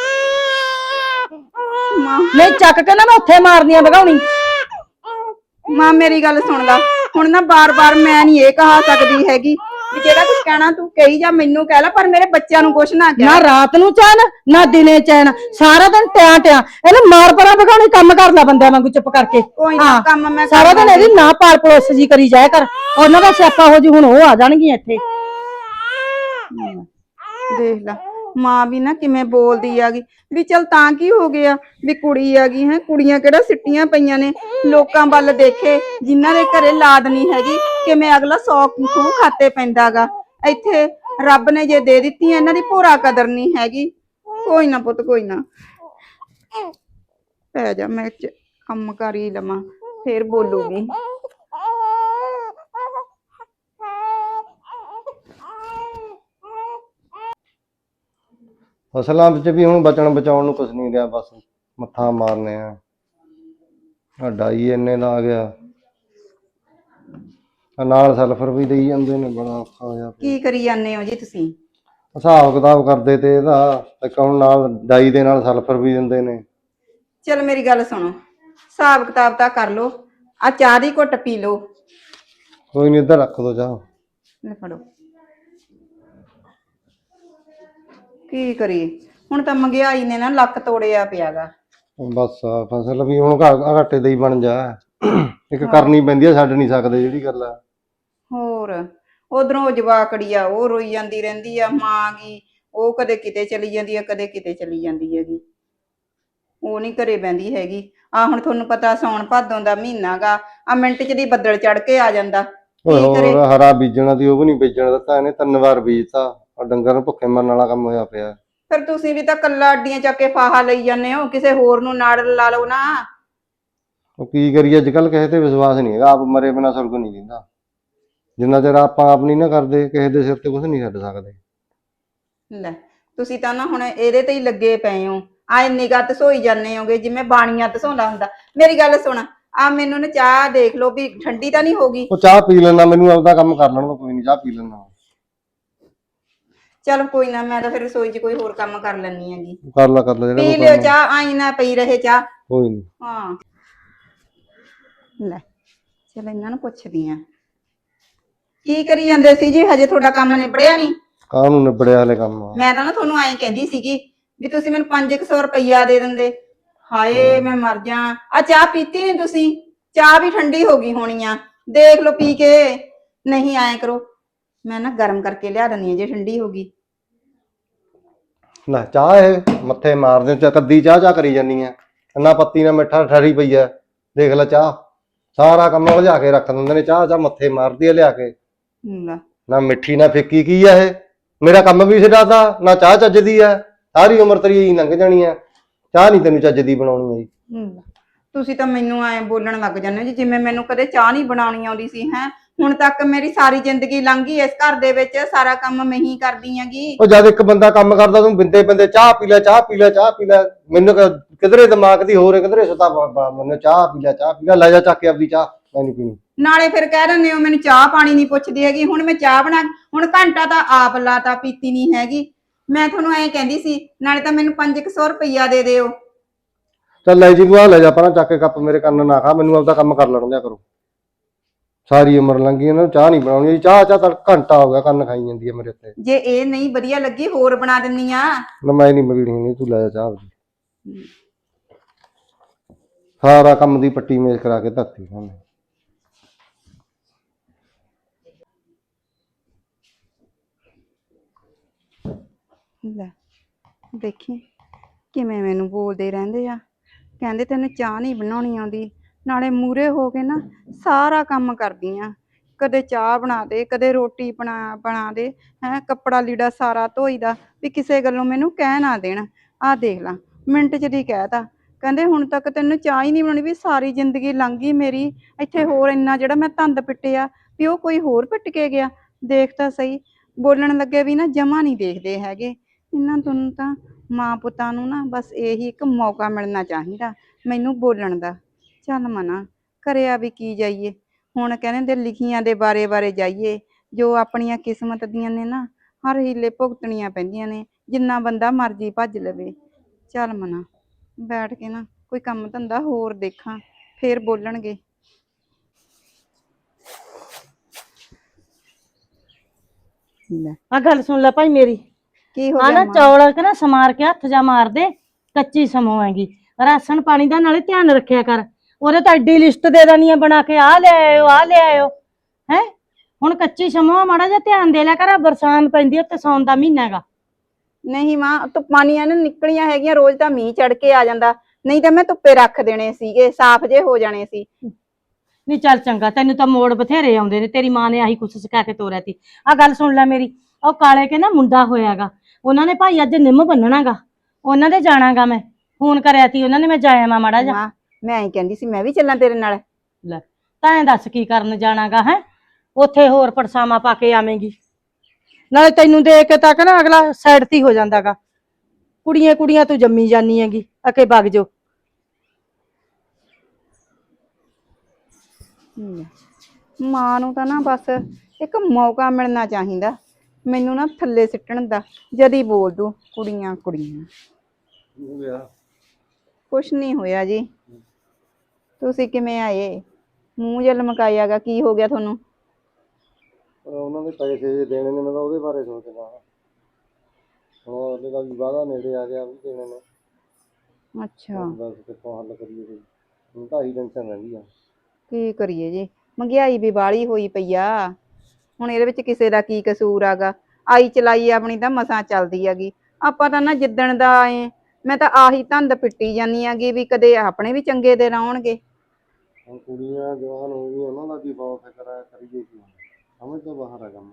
Speaker 1: ਮਾਂ
Speaker 2: ਨਹੀਂ ਚੱਕ ਕੇ ਨਾ ਮੈਂ ਉੱਥੇ ਮਾਰਨੀ ਆ ਭਗਾਉਣੀ।
Speaker 1: ਮਾਂ ਮੇਰੀ ਗੱਲ ਸੁਣ ਲਾ, ਹੁਣ ਨਾ ਬਾਰ-ਬਾਰ ਮੈਂ ਨਹੀਂ ਇਹ ਕਹਾ ਸਕਦੀ ਹੈਗੀ ਵੀ ਜਿਹੜਾ ਕੁਝ ਕਹਿਣਾ ਤੂੰ ਕਹੀ ਜਾ, ਮੈਨੂੰ ਕਹਿ ਲੈ, ਪਰ ਮੇਰੇ ਬੱਚਿਆਂ ਨੂੰ ਕੁਛ ਨਾ ਕਹਿ।
Speaker 2: ਨਾ ਰਾਤ ਨੂੰ ਚੈਨ ਨਾ ਦਿਨੇ ਚੈਨ, ਸਾਰਾ ਦਿਨ ਟਿਆਂ ਟਿਆਂ। ਇਹਨੂੰ ਮਾਰ ਪਰਾਂ ਭਗਾਉਣੀ, ਕੰਮ ਕਰ ਲੈ ਬੰਦਿਆਂ ਵਾਂਗੂ ਚੁੱਪ ਕਰਕੇ।
Speaker 1: ਕੋਈ ਨਾ
Speaker 2: ਹਾਂ,
Speaker 1: ਕੰਮ ਮੈਂ
Speaker 2: ਸਾਰਾ ਦਿਨ ਇਹਦੀ ਨਾ ਪਾਲ ਪਲੋਸ ਜੀ ਕਰੀ ਜਾਇਆ ਕਰ, ਉਹਨਾਂ ਦਾ ਸਿਆਪਾ ਹੋ ਜੂ। ਹੁਣ ਉਹ ਆ ਜਾਣਗੀਆਂ ਇੱਥੇ।
Speaker 1: ਦੇਖ ਲੈ ਮਾਂ ਵੀ ਨਾ ਕਿਵੇਂ ਬੋਲਦੀ ਆਗੀ ਵੀ ਚਲ ਤਾਂ ਕੀ ਹੋ ਗਿਆ ਵੀ ਕੁੜੀ ਆਗੀ ਹੈ, ਕੁੜੀਆਂ ਕਿਹੜਾ ਸਿੱਟੀਆਂ ਪਈਆਂ ਨੇ, ਲੋਕਾਂ ਵੱਲ ਦੇਖੇ ਜਿਨ੍ਹਾਂ ਦੇ ਘਰੇ ਲਾਦ ਨਹੀਂ ਹੈਗੀ, ਕਿਵੇਂ ਅਗਲਾ ਸੌ ਖੂਹ ਖਾਤੇ ਪੈਂਦਾਗਾ। ਇੱਥੇ ਰੱਬ ਨੇ ਜੇ ਦੇ ਦਿੱਤੀ ਇਹਨਾਂ ਦੀ ਭੋਰਾ ਕਦਰ ਨਹੀਂ ਹੈਗੀ। ਕੋਈ ਨਾ ਪੁੱਤ ਕੋਈ ਨਾ, ਪੈ ਜਾ, ਮੈਂ ਚ- ਕੰਮ ਕਰ ਹੀ ਲਵਾਂ, ਫੇਰ ਬੋਲੂਗੀ।
Speaker 3: ਫਸਲਾਂ ਵਿੱਚ ਵੀ ਹੁਣ ਬਚਣ ਬਚਾਉਣ ਨੂੰ ਕੁਝ ਨਹੀਂ ਰਿਹਾ, ਬਸ ਮੱਥਾ ਮਾਰਨੇ ਆ। ਆ ਡਾਈ ਇੰਨੇ ਦਾ ਆ ਗਿਆ, ਆਹ ਨਾਲ ਸਲਫਰ ਵੀ ਦੇਈ ਜਾਂਦੇ ਨੇ, ਬੜਾ ਔਖਾ ਹੋਇਆ ਪਿਆ।
Speaker 1: ਕੀ ਕਰੀ ਜਾਂਦੇ ਹੋ ਜੀ ਤੁਸੀਂ?
Speaker 3: ਹਿਸਾਬ ਕਿਤਾਬ ਕਰਦੇ ਤੇ ਇਹਦਾ ਇੱਕ ਹੁਣ ਨਾਲ ਡਾਈ ਦੇ ਨਾਲ ਸਲਫਰ ਵੀ ਦਿੰਦੇ ਨੇ।
Speaker 1: ਚਲ ਮੇਰੀ ਗੱਲ ਸੁਣੋ, ਹਿਸਾਬ ਕਿਤਾਬ ਤਾਂ ਕਰ ਲੋ, ਆ ਚਾਹ ਦੀ ਘੁੱਟ ਪੀ ਲੋ।
Speaker 3: ਕੋਈ ਨਹੀਂ, ਇੱਧਰ ਰੱਖ ਦੋ ਚਾਹ।
Speaker 1: ਲੈ ਫੜੋ। ਕੀ ਕਰੀਏ ਹੁਣ, ਤਾਂ ਮਹਿੰਗਾਈ ਨੇ ਨਾ ਲੱਕ ਤੋੜਿਆ ਪਿਆਗਾ।
Speaker 3: ਬਸ ਆ ਫਸਲ ਵੀ ਹੁਣ ਘਾ- ਘਾਟੇ ਦਾ ਹੀ ਬਣ ਜਾ, ਇੱਕ ਕਰਨੀ ਪੈਂਦੀ ਆ, ਛੱਡ ਨਹੀਂ ਸਕਦੇ ਜਿਹੜੀ ਗੱਲ ਆ।
Speaker 1: ਹੋਰ ਉਧਰੋਂ ਜਵਾਕੜੀ ਆ, ਉਹ ਰੋਈ ਜਾਂਦੀ ਰਹਿੰਦੀ ਆ, ਮਾਂ ਗੀ ਉਹ ਕਦੇ ਕਿਤੇ ਚਲੀ ਜਾਂਦੀ ਆ, ਕਦੇ ਕਿਤੇ ਚਲੀ ਜਾਂਦੀ ਹੈਗੀ, ਉਹ ਨਹੀਂ ਘਰੇ ਬਹਿੰਦੀ ਹੈਗੀ। ਆ ਹੁਣ ਤੁਹਾਨੂੰ ਪਤਾ ਸੌਣ ਭਾਦੋਂ ਦਾ ਮਹੀਨਾ ਗਾ, ਆ ਮਿੰਟ ਚ ਦੀ ਬੱਦਲ ਚੜ ਕੇ ਆ ਜਾਂਦਾ।
Speaker 3: ਓਏ
Speaker 1: ਕੀ ਕਰੇ?
Speaker 3: ਹੋਰ ਹਰਾ ਬੀਜਣਾ ਦੀ ਉਹ ਵੀ ਨਹੀਂ ਬੀਜਣ ਦਿੱਤਾ ਇਹਨੇ, ਤਿੰਨ ਵਾਰ ਬੀਜਤਾ। ਆ ਡੰਗਰ ਨੂੰ ਭੁੱਖੇ ਮਰਨ ਵਾਲਾ ਕੰਮ ਹੋਇਆ ਪਿਆ।
Speaker 1: ਫਿਰ ਤੁਸੀਂ ਵੀ ਤਾਂ ਕੱਲਾ ਅੱਡੀਆਂ ਚੱਕ ਕੇ ਫਾਹਾ ਲਈ ਜਾਂਦੇ ਹੋ, ਕਿਸੇ ਹੋਰ ਨੂੰ ਨਾੜ ਲਾ ਲਓ ਨਾ।
Speaker 3: ਉਹ ਕੀ ਕਰੀਏ, ਅੱਜ ਕੱਲ ਕਿਸੇ ਤੇ ਵਿਸ਼ਵਾਸ ਨਹੀਂ ਹੈਗਾ, ਆਪ ਮਰੇ ਬਿਨਾ ਸੁਰਗ ਨਹੀਂ ਦਿੰਦਾ। ਜਿੰਨਾ ਚਿਰ ਆਪਾਂ ਆਪ ਨਹੀਂ ਨਾ ਕਰਦੇ, ਕਿਸੇ ਦੇ ਸਿਰ ਤੇ ਕੁਝ ਨਹੀਂ ਛੱਡ ਸਕਦੇ।
Speaker 1: ਲੈ ਤੁਸੀਂ ਤਾਂ ਨਾ ਹੁਣ ਇਹਦੇ ਤੇ ਹੀ ਲੱਗੇ ਪਏ ਹੋ, ਆ ਨਿਗਾਹ ਤਸੋਈ ਜਾਂਦੇ ਹੋਗੇ ਜਿਵੇਂ ਬਾਣੀਆਂ ਤਸੋਂਦਾ ਹੁੰਦਾ। ਮੇਰੀ ਗੱਲ ਸੁਣ, ਆ ਮੈਨੂੰ ਨਾ ਚਾਹ ਦੇਖ ਲਓ ਵੀ ਠੰਡੀ ਤਾਂ ਨਹੀਂ ਹੋਗੀ।
Speaker 3: ਉਹ ਚਾਹ ਪੀ ਲੈਣਾ, ਮੈਨੂੰ ਆਪਦਾ ਕੰਮ ਕਰ ਲੈਣ ਦੋ, ਕੋਈ ਨਹੀਂ, ਚਾਹ ਪੀ ਲੈਣਾ।
Speaker 1: ਚਲ ਕੋਈ ਨਾ, ਮੈਂ ਤਾਂ ਫਿਰ ਰਸੋਈ 'ਚ ਕੋਈ ਹੋਰ ਕੰਮ ਕਰ ਲੈਣੀ ਹੈਗੀ।
Speaker 3: ਕਰ ਲਾ ਕਰ ਲਾ ਜਿਹੜਾ
Speaker 1: ਪੀ
Speaker 3: ਕੋਈ
Speaker 1: ਲਿਓ
Speaker 3: ਕੰਮ।
Speaker 1: ਚਾਹ, ਆਈ ਨਾ ਪਈ ਰਹੇ ਚਾਹ।
Speaker 3: ਕੋਈ ਨਹੀਂ।
Speaker 1: ਹਾਂ ਲੈ ਚਲ ਇਹਨਾਂ ਨੂੰ ਪੁੱਛਦੀ ਆ, ਕੀ ਕਰੀ ਜਾਂਦੇ ਸੀ ਜੀ? ਹਜੇ ਤੁਹਾਡਾ ਕੰਮ ਨਿਬੜਿਆ ਨਹੀਂ?
Speaker 3: ਕਾਹਨੂੰ ਨਿਬੜਿਆ ਹਲੇ ਕੰਮ?
Speaker 1: ਮੈਂ ਤਾਂ ਨਾ ਤੁਹਾਨੂੰ ਐਂ ਕਹਿੰਦੀ ਸੀਗੀ ਵੀ ਤੁਸੀਂ ਮੈਨੂੰ ਪੰਜ ਕੁ ਸੌ ਰੁਪਈਆ ਦੇ ਦਿੰਦੇ। ਹਾਏ ਮੈਂ ਮਰ ਜਾ, ਆ ਚਾਹ ਪੀਤੀ ਨਹੀਂ ਤੁਸੀਂ? ਚਾਹ ਵੀ ਠੰਡੀ ਹੋ ਗਈ ਹੋਣੀ ਆ, ਦੇਖ ਲਓ ਪੀ ਕੇ। ਨਹੀਂ ਐਂ ਕਰੋ, ਮੈਂ ਨਾ ਗਰਮ ਕਰਕੇ ਲਿਆ ਦਿੰਦੀ ਆ ਜੇ ਠੰਡੀ ਹੋ ਗਈ।
Speaker 3: ਲੈ ਚਾਹ ਇਹ ਮੱਥੇ ਮਾਰਦੇ ਚ ਕੱਦੀ ਚਾਹ ਚਾਹ ਕਰੀ ਜਾਨੀ ਆ, ਇੰਨਾ ਪੱਤੀ ਨਾਲ ਮਿੱਠਾ ਠਰੀ ਪਈ ਆ। ਦੇਖ ਲੈ ਚਾਹ, ਸਾਰਾ ਕੰਮ ਉਲਝਾ ਕੇ ਰੱਖ ਦਿੰਦੇ ਨੇ। ਚਾਹ ਚਾਹ ਮੱਥੇ ਮਾਰਦੀ ਆ ਲਿਆ ਕੇ,
Speaker 1: ਲੈ
Speaker 3: ਨਾ ਮਿੱਠੀ ਨਾ ਫਿੱਕੀ। ਕੀ ਆ ਇਹ? ਮੇਰਾ ਕੰਮ ਵੀ ਛਡਾਤਾ, ਨਾ ਚਾਹ ਚੱਜਦੀ ਆ। ਸਾਰੀ ਉਮਰ ਤੇਰੀ ਲੰਘ ਜਾਣੀ ਆ, ਚਾਹ ਨਹੀਂ ਤੈਨੂੰ ਚੱਜ ਦੀ ਬਣਾਉਣੀ ਆਈ।
Speaker 1: ਲੈ, ਤੁਸੀਂ ਤਾਂ ਮੈਨੂੰ ਐਂ ਬੋਲਣ ਲੱਗ ਜਾਂਦੇ ਹੋ ਜੀ ਜਿਵੇਂ ਮੈਨੂੰ ਕਦੇ ਚਾਹ ਨਹੀਂ ਬਣਾਉਣੀ ਆਉਂਦੀ ਸੀ। ਹੈ ਹੁਣ ਤੱਕ ਮੇਰੀ ਸਾਰੀ ਜ਼ਿੰਦਗੀ ਲੰਘ ਗਈ ਇਸ ਘਰ ਦੇ ਵਿੱਚ, ਸਾਰਾ ਕੰਮ ਮੈਂ ਹੀ ਕਰਦੀ ਆਂਗੀ।
Speaker 3: ਉਹ ਜਦ ਇੱਕ ਬੰਦਾ ਕੰਮ ਕਰਦਾ ਤੂੰ ਬਿੰਦੇ ਬਿੰਦੇ ਚਾਹ ਪੀ ਲੈ, ਚਾਹ ਪੀ ਲੈ, ਚਾਹ ਪੀ ਲੈ। ਮੈਨੂੰ ਕਿਧਰੇ ਦਿਮਾਗ ਦੀ ਹੋਰ ਕਿਧਰੇ ਸੁਤਾ, ਮੈਨੂੰ ਚਾਹ ਪੀ ਲੈ, ਚਾਹ ਪੀ ਲੈ। ਲੈ ਜਾ ਚੱਕ ਕੇ ਆਪਦੀ ਚਾਹ, ਮੈਂ ਨਹੀਂ ਪੀਣੀ।
Speaker 1: ਨਾਲੇ ਫਿਰ ਕਹਿ ਦਿੰਦੇ ਹੋ ਮੈਨੂੰ ਚਾਹ ਪਾਣੀ ਨਹੀਂ ਪੁੱਛਦੀ ਹੈਗੀ। ਹੁਣ ਮੈਂ ਚਾਹ ਬਣਾ, ਹੁਣ ਘੰਟਾ ਤਾਂ ਆਪ ਲਾਤਾ, ਪੀਤੀ ਨਹੀਂ ਹੈਗੀ। ਮੈਂ ਤੁਹਾਨੂੰ ਐਂ ਕਹਿੰਦੀ ਸੀ, ਨਾਲੇ ਤਾਂ ਮੈਨੂੰ ਪੰਜ ਕੁ ਸੌ ਰੁਪਈਆ ਦੇ ਦਿਓ।
Speaker 3: ਚੱਲ ਲੈ ਜੀ, ਤੂੰ ਆ ਲੈ ਜਾ ਪਰਾਂ ਚੱਕ ਕੇ ਕੱਪ, ਮੇਰੇ ਕੰਨ ਨਾ ਖਾ। ਮੈਨੂੰ ਆਪਦਾ ਕੰਮ ਕਰ ਲੈਣ ਦਿਆ ਕਰੋ। ਸਾਰੀ ਉਮਰ ਲੰਘੀ, ਇਹਨਾਂ ਨੂੰ ਚਾਹ ਨਹੀਂ ਬਣਾਉਣੀ। ਚਾਹ ਚਾਹ ਤਾਂ ਘੰਟਾ ਹੋ ਗਿਆ ਕੰਨ ਖਾਈ ਜਾਂਦੀ ਹੈ ਮੇਰੇ ਉੱਤੇ।
Speaker 1: ਜੇ ਇਹ ਨਹੀਂ ਵਧੀਆ ਲੱਗੀ ਹੋਰ ਬਣਾ ਦਿੰਨੀ ਆ।
Speaker 3: ਨਾ ਮੈਂ ਨਹੀਂ ਮਗੀਣੀ ਨਹੀਂ, ਤੂੰ ਲੈ ਜਾ ਚਾਹ ਆਪਦੀ। ਸਾਰਾ ਕੰਮ ਦੀ ਪੱਟੀ ਮੇਜ਼ ਕਰਾ ਕੇ ਧਰਤੀ ਸਾਹਮਣੇ।
Speaker 1: ਲੈ ਦੇਖੀ ਕਿਵੇਂ ਮੈਨੂੰ ਬੋਲਦੇ ਰਹਿੰਦੇ ਆ, ਕਹਿੰਦੇ ਤੈਨੂੰ ਚਾਹ ਨਹੀਂ ਬਣਾਉਣੀ ਆਉਂਦੀ, ਨਾਲੇ ਮੂਰੇ ਹੋ ਕੇ ਨਾ ਸਾਰਾ ਕੰਮ ਕਰਦੀ ਆ। ਕਦੇ ਚਾਹ ਬਣਾ ਦੇ, ਕਦੇ ਰੋਟੀ ਬਣਾ ਬਣਾ ਦੇ, ਹੈ ਕੱਪੜਾ ਲੀੜਾ ਸਾਰਾ ਧੋਈਦਾ, ਵੀ ਕਿਸੇ ਗੱਲੋਂ ਮੈਨੂੰ ਕਹਿ ਨਾ ਦੇਣ। ਆਹ ਦੇਖ ਲਾ ਮਿੰਟ ਚ ਦੀ ਕਹਿਤਾ, ਕਹਿੰਦੇ ਹੁਣ ਤੱਕ ਤੈਨੂੰ ਚਾਹ ਹੀ ਨਹੀਂ ਬਣਾਉਣੀ। ਵੀ ਸਾਰੀ ਜ਼ਿੰਦਗੀ ਲੰਘ ਗਈ ਮੇਰੀ ਇੱਥੇ, ਹੋਰ ਇੰਨਾ ਜਿਹੜਾ ਮੈਂ ਧੰਦ ਪਿੱਟਿਆ ਵੀ ਉਹ ਕੋਈ ਹੋਰ ਪਿੱਟ ਕੇ ਗਿਆ। ਦੇਖ ਤਾਂ ਸਹੀ, ਬੋਲਣ ਲੱਗੇ ਵੀ ਨਾ ਜਮਾ ਨਹੀਂ ਦੇਖਦੇ ਹੈਗੇ। ਇਹਨਾਂ ਤੋਂ ਤਾਂ ਮਾਂ ਪੁੱਤਾਂ ਨੂੰ ਨਾ ਬਸ ਇਹੀ ਇੱਕ ਮੌਕਾ ਮਿਲਣਾ ਚਾਹੀਦਾ ਮੈਨੂੰ ਬੋਲਣ ਦਾ। ਚੱਲ ਮਨਾ ਕਰਿਆ ਵੀ ਕੀ ਜਾਈਏ, ਹੁਣ ਕਹਿੰਦੇ ਨੇ ਲਿਖੀਆਂ ਦੇ ਬਾਰੇ ਬਾਰੇ ਜਾਈਏ, ਜੋ ਆਪਣੀਆਂ ਕਿਸਮਤ ਦੀਆਂ ਨੇ ਨਾ ਹਰ ਹੀਲੇ ਭੁਗਤਣੀਆਂ ਪੈਂਦੀਆਂ ਨੇ, ਜਿੰਨਾ ਬੰਦਾ ਮਰਜ਼ੀ ਭੱਜ ਲਵੇ। ਚੱਲ ਮਨਾ ਬੈਠ ਕੇ ਨਾ ਕੋਈ ਕੰਮ ਧੰਦਾ ਹੋਰ ਦੇਖਾਂ, ਫੇਰ ਬੋਲਣਗੇ। ਲੈ
Speaker 2: ਆ ਗੱਲ ਸੁਣ ਲੈ ਭਾਈ ਮੇਰੀ,
Speaker 1: ਕੀ ਹੋ
Speaker 2: ਆ
Speaker 1: ਗਿਆ
Speaker 2: ਨਾ
Speaker 1: ਮਾਂ?
Speaker 2: ਚੌਲ ਕੇ ਨਾ ਸਮਾਰ ਕੇ ਹੱਥ ਜਾ ਮਾਰ ਦੇ, ਕੱਚੀ ਸਮੋਆਂਗੀ। ਰਾਸ਼ਨ ਪਾਣੀ ਦਾ ਨਾਲੇ ਧਿਆਨ ਰੱਖਿਆ ਕਰ। ਉਹਦੇ ਤਾਂ ਐਡੀ ਲਿਸਟ ਦੇ ਦੇਣੀ ਆ ਬਣਾ ਕੇ, ਆ ਲੈ ਆਇਓ ਆ ਲੈ ਆਇਓ ਹੈ। ਹੁਣ ਕੱਚੀ ਸਮੋਆ ਮਾੜਾ ਜਿਹਾ ਧਿਆਨ ਦੇ ਲਿਆ ਕਰ, ਬਰਸਾਤ ਪੈਂਦੀ ਆ ਤੇ ਸਾਉਣ ਦਾ ਮਹੀਨਾ ਹੈਗਾ।
Speaker 1: ਨਹੀਂ ਮਾਂ, ਧੁੱਪਾਂ ਨੀ ਨਾ ਨਿਕਲੀਆਂ ਹੈਗੀਆਂ, ਰੋਜ਼ ਤਾਂ ਮੀਂਹ ਚੜ ਕੇ ਆ ਜਾਂਦਾ, ਨਹੀਂ ਤਾਂ ਮੈਂ ਧੁੱਪੇ ਰੱਖ ਦੇਣੇ ਸੀਗੇ, ਸਾਫ਼ ਜੇ ਹੋ ਜਾਣੇ ਸੀ।
Speaker 2: ਨਹੀਂ ਚੱਲ ਚੰਗਾ, ਤੈਨੂੰ ਤਾਂ ਮੋੜ ਬਥੇਰੇ ਆਉਂਦੇ ਨੇ, ਤੇਰੀ ਮਾਂ ਨੇ ਆਹੀ ਕੁਛ ਸਿਖਾ ਕੇ ਤੋਰਿਆ ਤੀ। ਆ ਗੱਲ ਸੁਣ ਲੈ ਮੇਰੀ, ਉਹ ਕਾਲੇ ਕੇ ਨਾ ਮੁੰਡਾ ਹੋਇਆਗਾ, ਉਹਨਾਂ ਨੇ ਭਾਈ ਅੱਜ ਨਿੰਮ ਬੰਨਣਾਗਾ, ਉਹਨਾਂ ਦੇ ਜਾਣਾਗਾ। ਮੈਂ ਫੋਨ ਕਰਿਆ ਤੀ ਉਹਨਾਂ ਨੇ, ਮੈਂ ਜਾਇਆ ਮਾ ਮਾੜਾ ਜਾ।
Speaker 1: ਮਾਂ ਮੈਂ ਐਂ ਕਹਿੰਦੀ ਸੀ ਮੈਂ ਵੀ ਚੱਲਾਂ ਤੇਰੇ ਨਾਲ।
Speaker 2: ਲੈ ਤਾਂ ਐਂ ਦੱਸ ਕੀ ਕਰਨ ਜਾਣਾਗਾ ਹੈ, ਉੱਥੇ ਹੋਰ ਪਰਸਾਵਾਂ ਪਾ ਕੇ ਆਵੇਂਗੀ। ਨਾਲੇ ਤੈਨੂੰ ਦੇਖ ਕੇ ਤਾਂ ਨਾ ਅਗਲਾ ਸਾਈਡ ਤੇ ਹੋ ਜਾਂਦਾਗਾ, ਕੁੜੀਆਂ ਕੁੜੀਆਂ ਤੂੰ ਜੰਮੀ ਜਾਨੀ ਹੈਗੀ, ਅਕੇ ਵਗ ਜੋ।
Speaker 1: ਮਾਂ ਨੂੰ ਤਾਂ ਨਾ ਬਸ ਇੱਕ ਮੌਕਾ ਮਿਲਣਾ ਚਾਹੀਦਾ ਮੈਨੂੰ ਨਾ ਥੱਲੇ ਸਿੱਟਣ ਦਾ, ਜਦੀ ਬੋਲ ਦੂ ਕੁੜੀਆਂ ਕੁੜੀਆਂ। ਕੁਛ ਨਹੀਂ ਹੋਇਆ ਜੀ, ਤੁਸੀਂ ਕਿਵੇਂ ਆਏ? ਮੂੰਹ ਜਿਹਾ ਲਮਕਾਇਆਗਾ, ਕੀ ਹੋ ਗਿਆ ਤੁਹਾਨੂੰ?
Speaker 3: ਉਹਨਾਂ ਦੇ ਪੈਸੇ ਜੇ ਦੇਣੇ ਨੇ, ਮੈਂ ਤਾਂ ਉਹਦੇ ਬਾਰੇ ਸੋਚਦਾ। ਹੁਣ ਉਹਦੇ ਦਾ ਵੀ ਵਾਅਦਾ ਨੇੜੇ ਆ ਗਿਆ, ਵੀ ਦੇਣੇ ਨੇ।
Speaker 1: ਅੱਛਾ
Speaker 3: ਬਸ ਕਿੱਥੋਂ ਹੱਲ ਕਰੀਏ ਕੋਈ, ਹੁਣ ਤਾਂ ਆਹੀ ਟੈਨਸ਼ਨ ਰਹਿੰਦੀ ਆ।
Speaker 1: ਕੀ ਕਰੀਏ ਜੀ, ਮਹਿੰਗਾਈ ਵੀ ਬਾਹਲੀ ਹੋਈ ਪਈ ਆ, ਹੁਣ ਇਹਦੇ ਵਿੱਚ ਕਿਸੇ ਦਾ ਕੀ ਕਸੂਰ ਆਗਾ। ਆਈ ਚਲਾਈ ਆਪਣੀ ਤਾਂ ਮਸਾਂ ਚੱਲਦੀ ਹੈਗੀ, ਆਪਾਂ ਤਾਂ ਨਾ ਜਿੱਦਣ ਦਾ ਆਏ ਮੈਂ ਤਾਂ ਆਹੀ ਧੰਦ ਪਿੱਟੀ ਜਾਂਦੀ ਹੈਗੀ ਵੀ ਕਦੇ ਆਪਣੇ ਵੀ ਚੰਗੇ ਦਿਨ ਆਉਣਗੇ।
Speaker 3: ਹੁਣ ਕੁੜੀਆਂ ਜਵਾਨ ਹੋ ਗਈਆਂ, ਉਹਨਾਂ ਦਾ ਵੀ ਬਹੁਤ ਫਿਕਰ ਆ, ਕਰੀਏ ਕੀ, ਸਮਝ ਤੋਂ ਬਾਹਰ ਆ ਕੰਮ।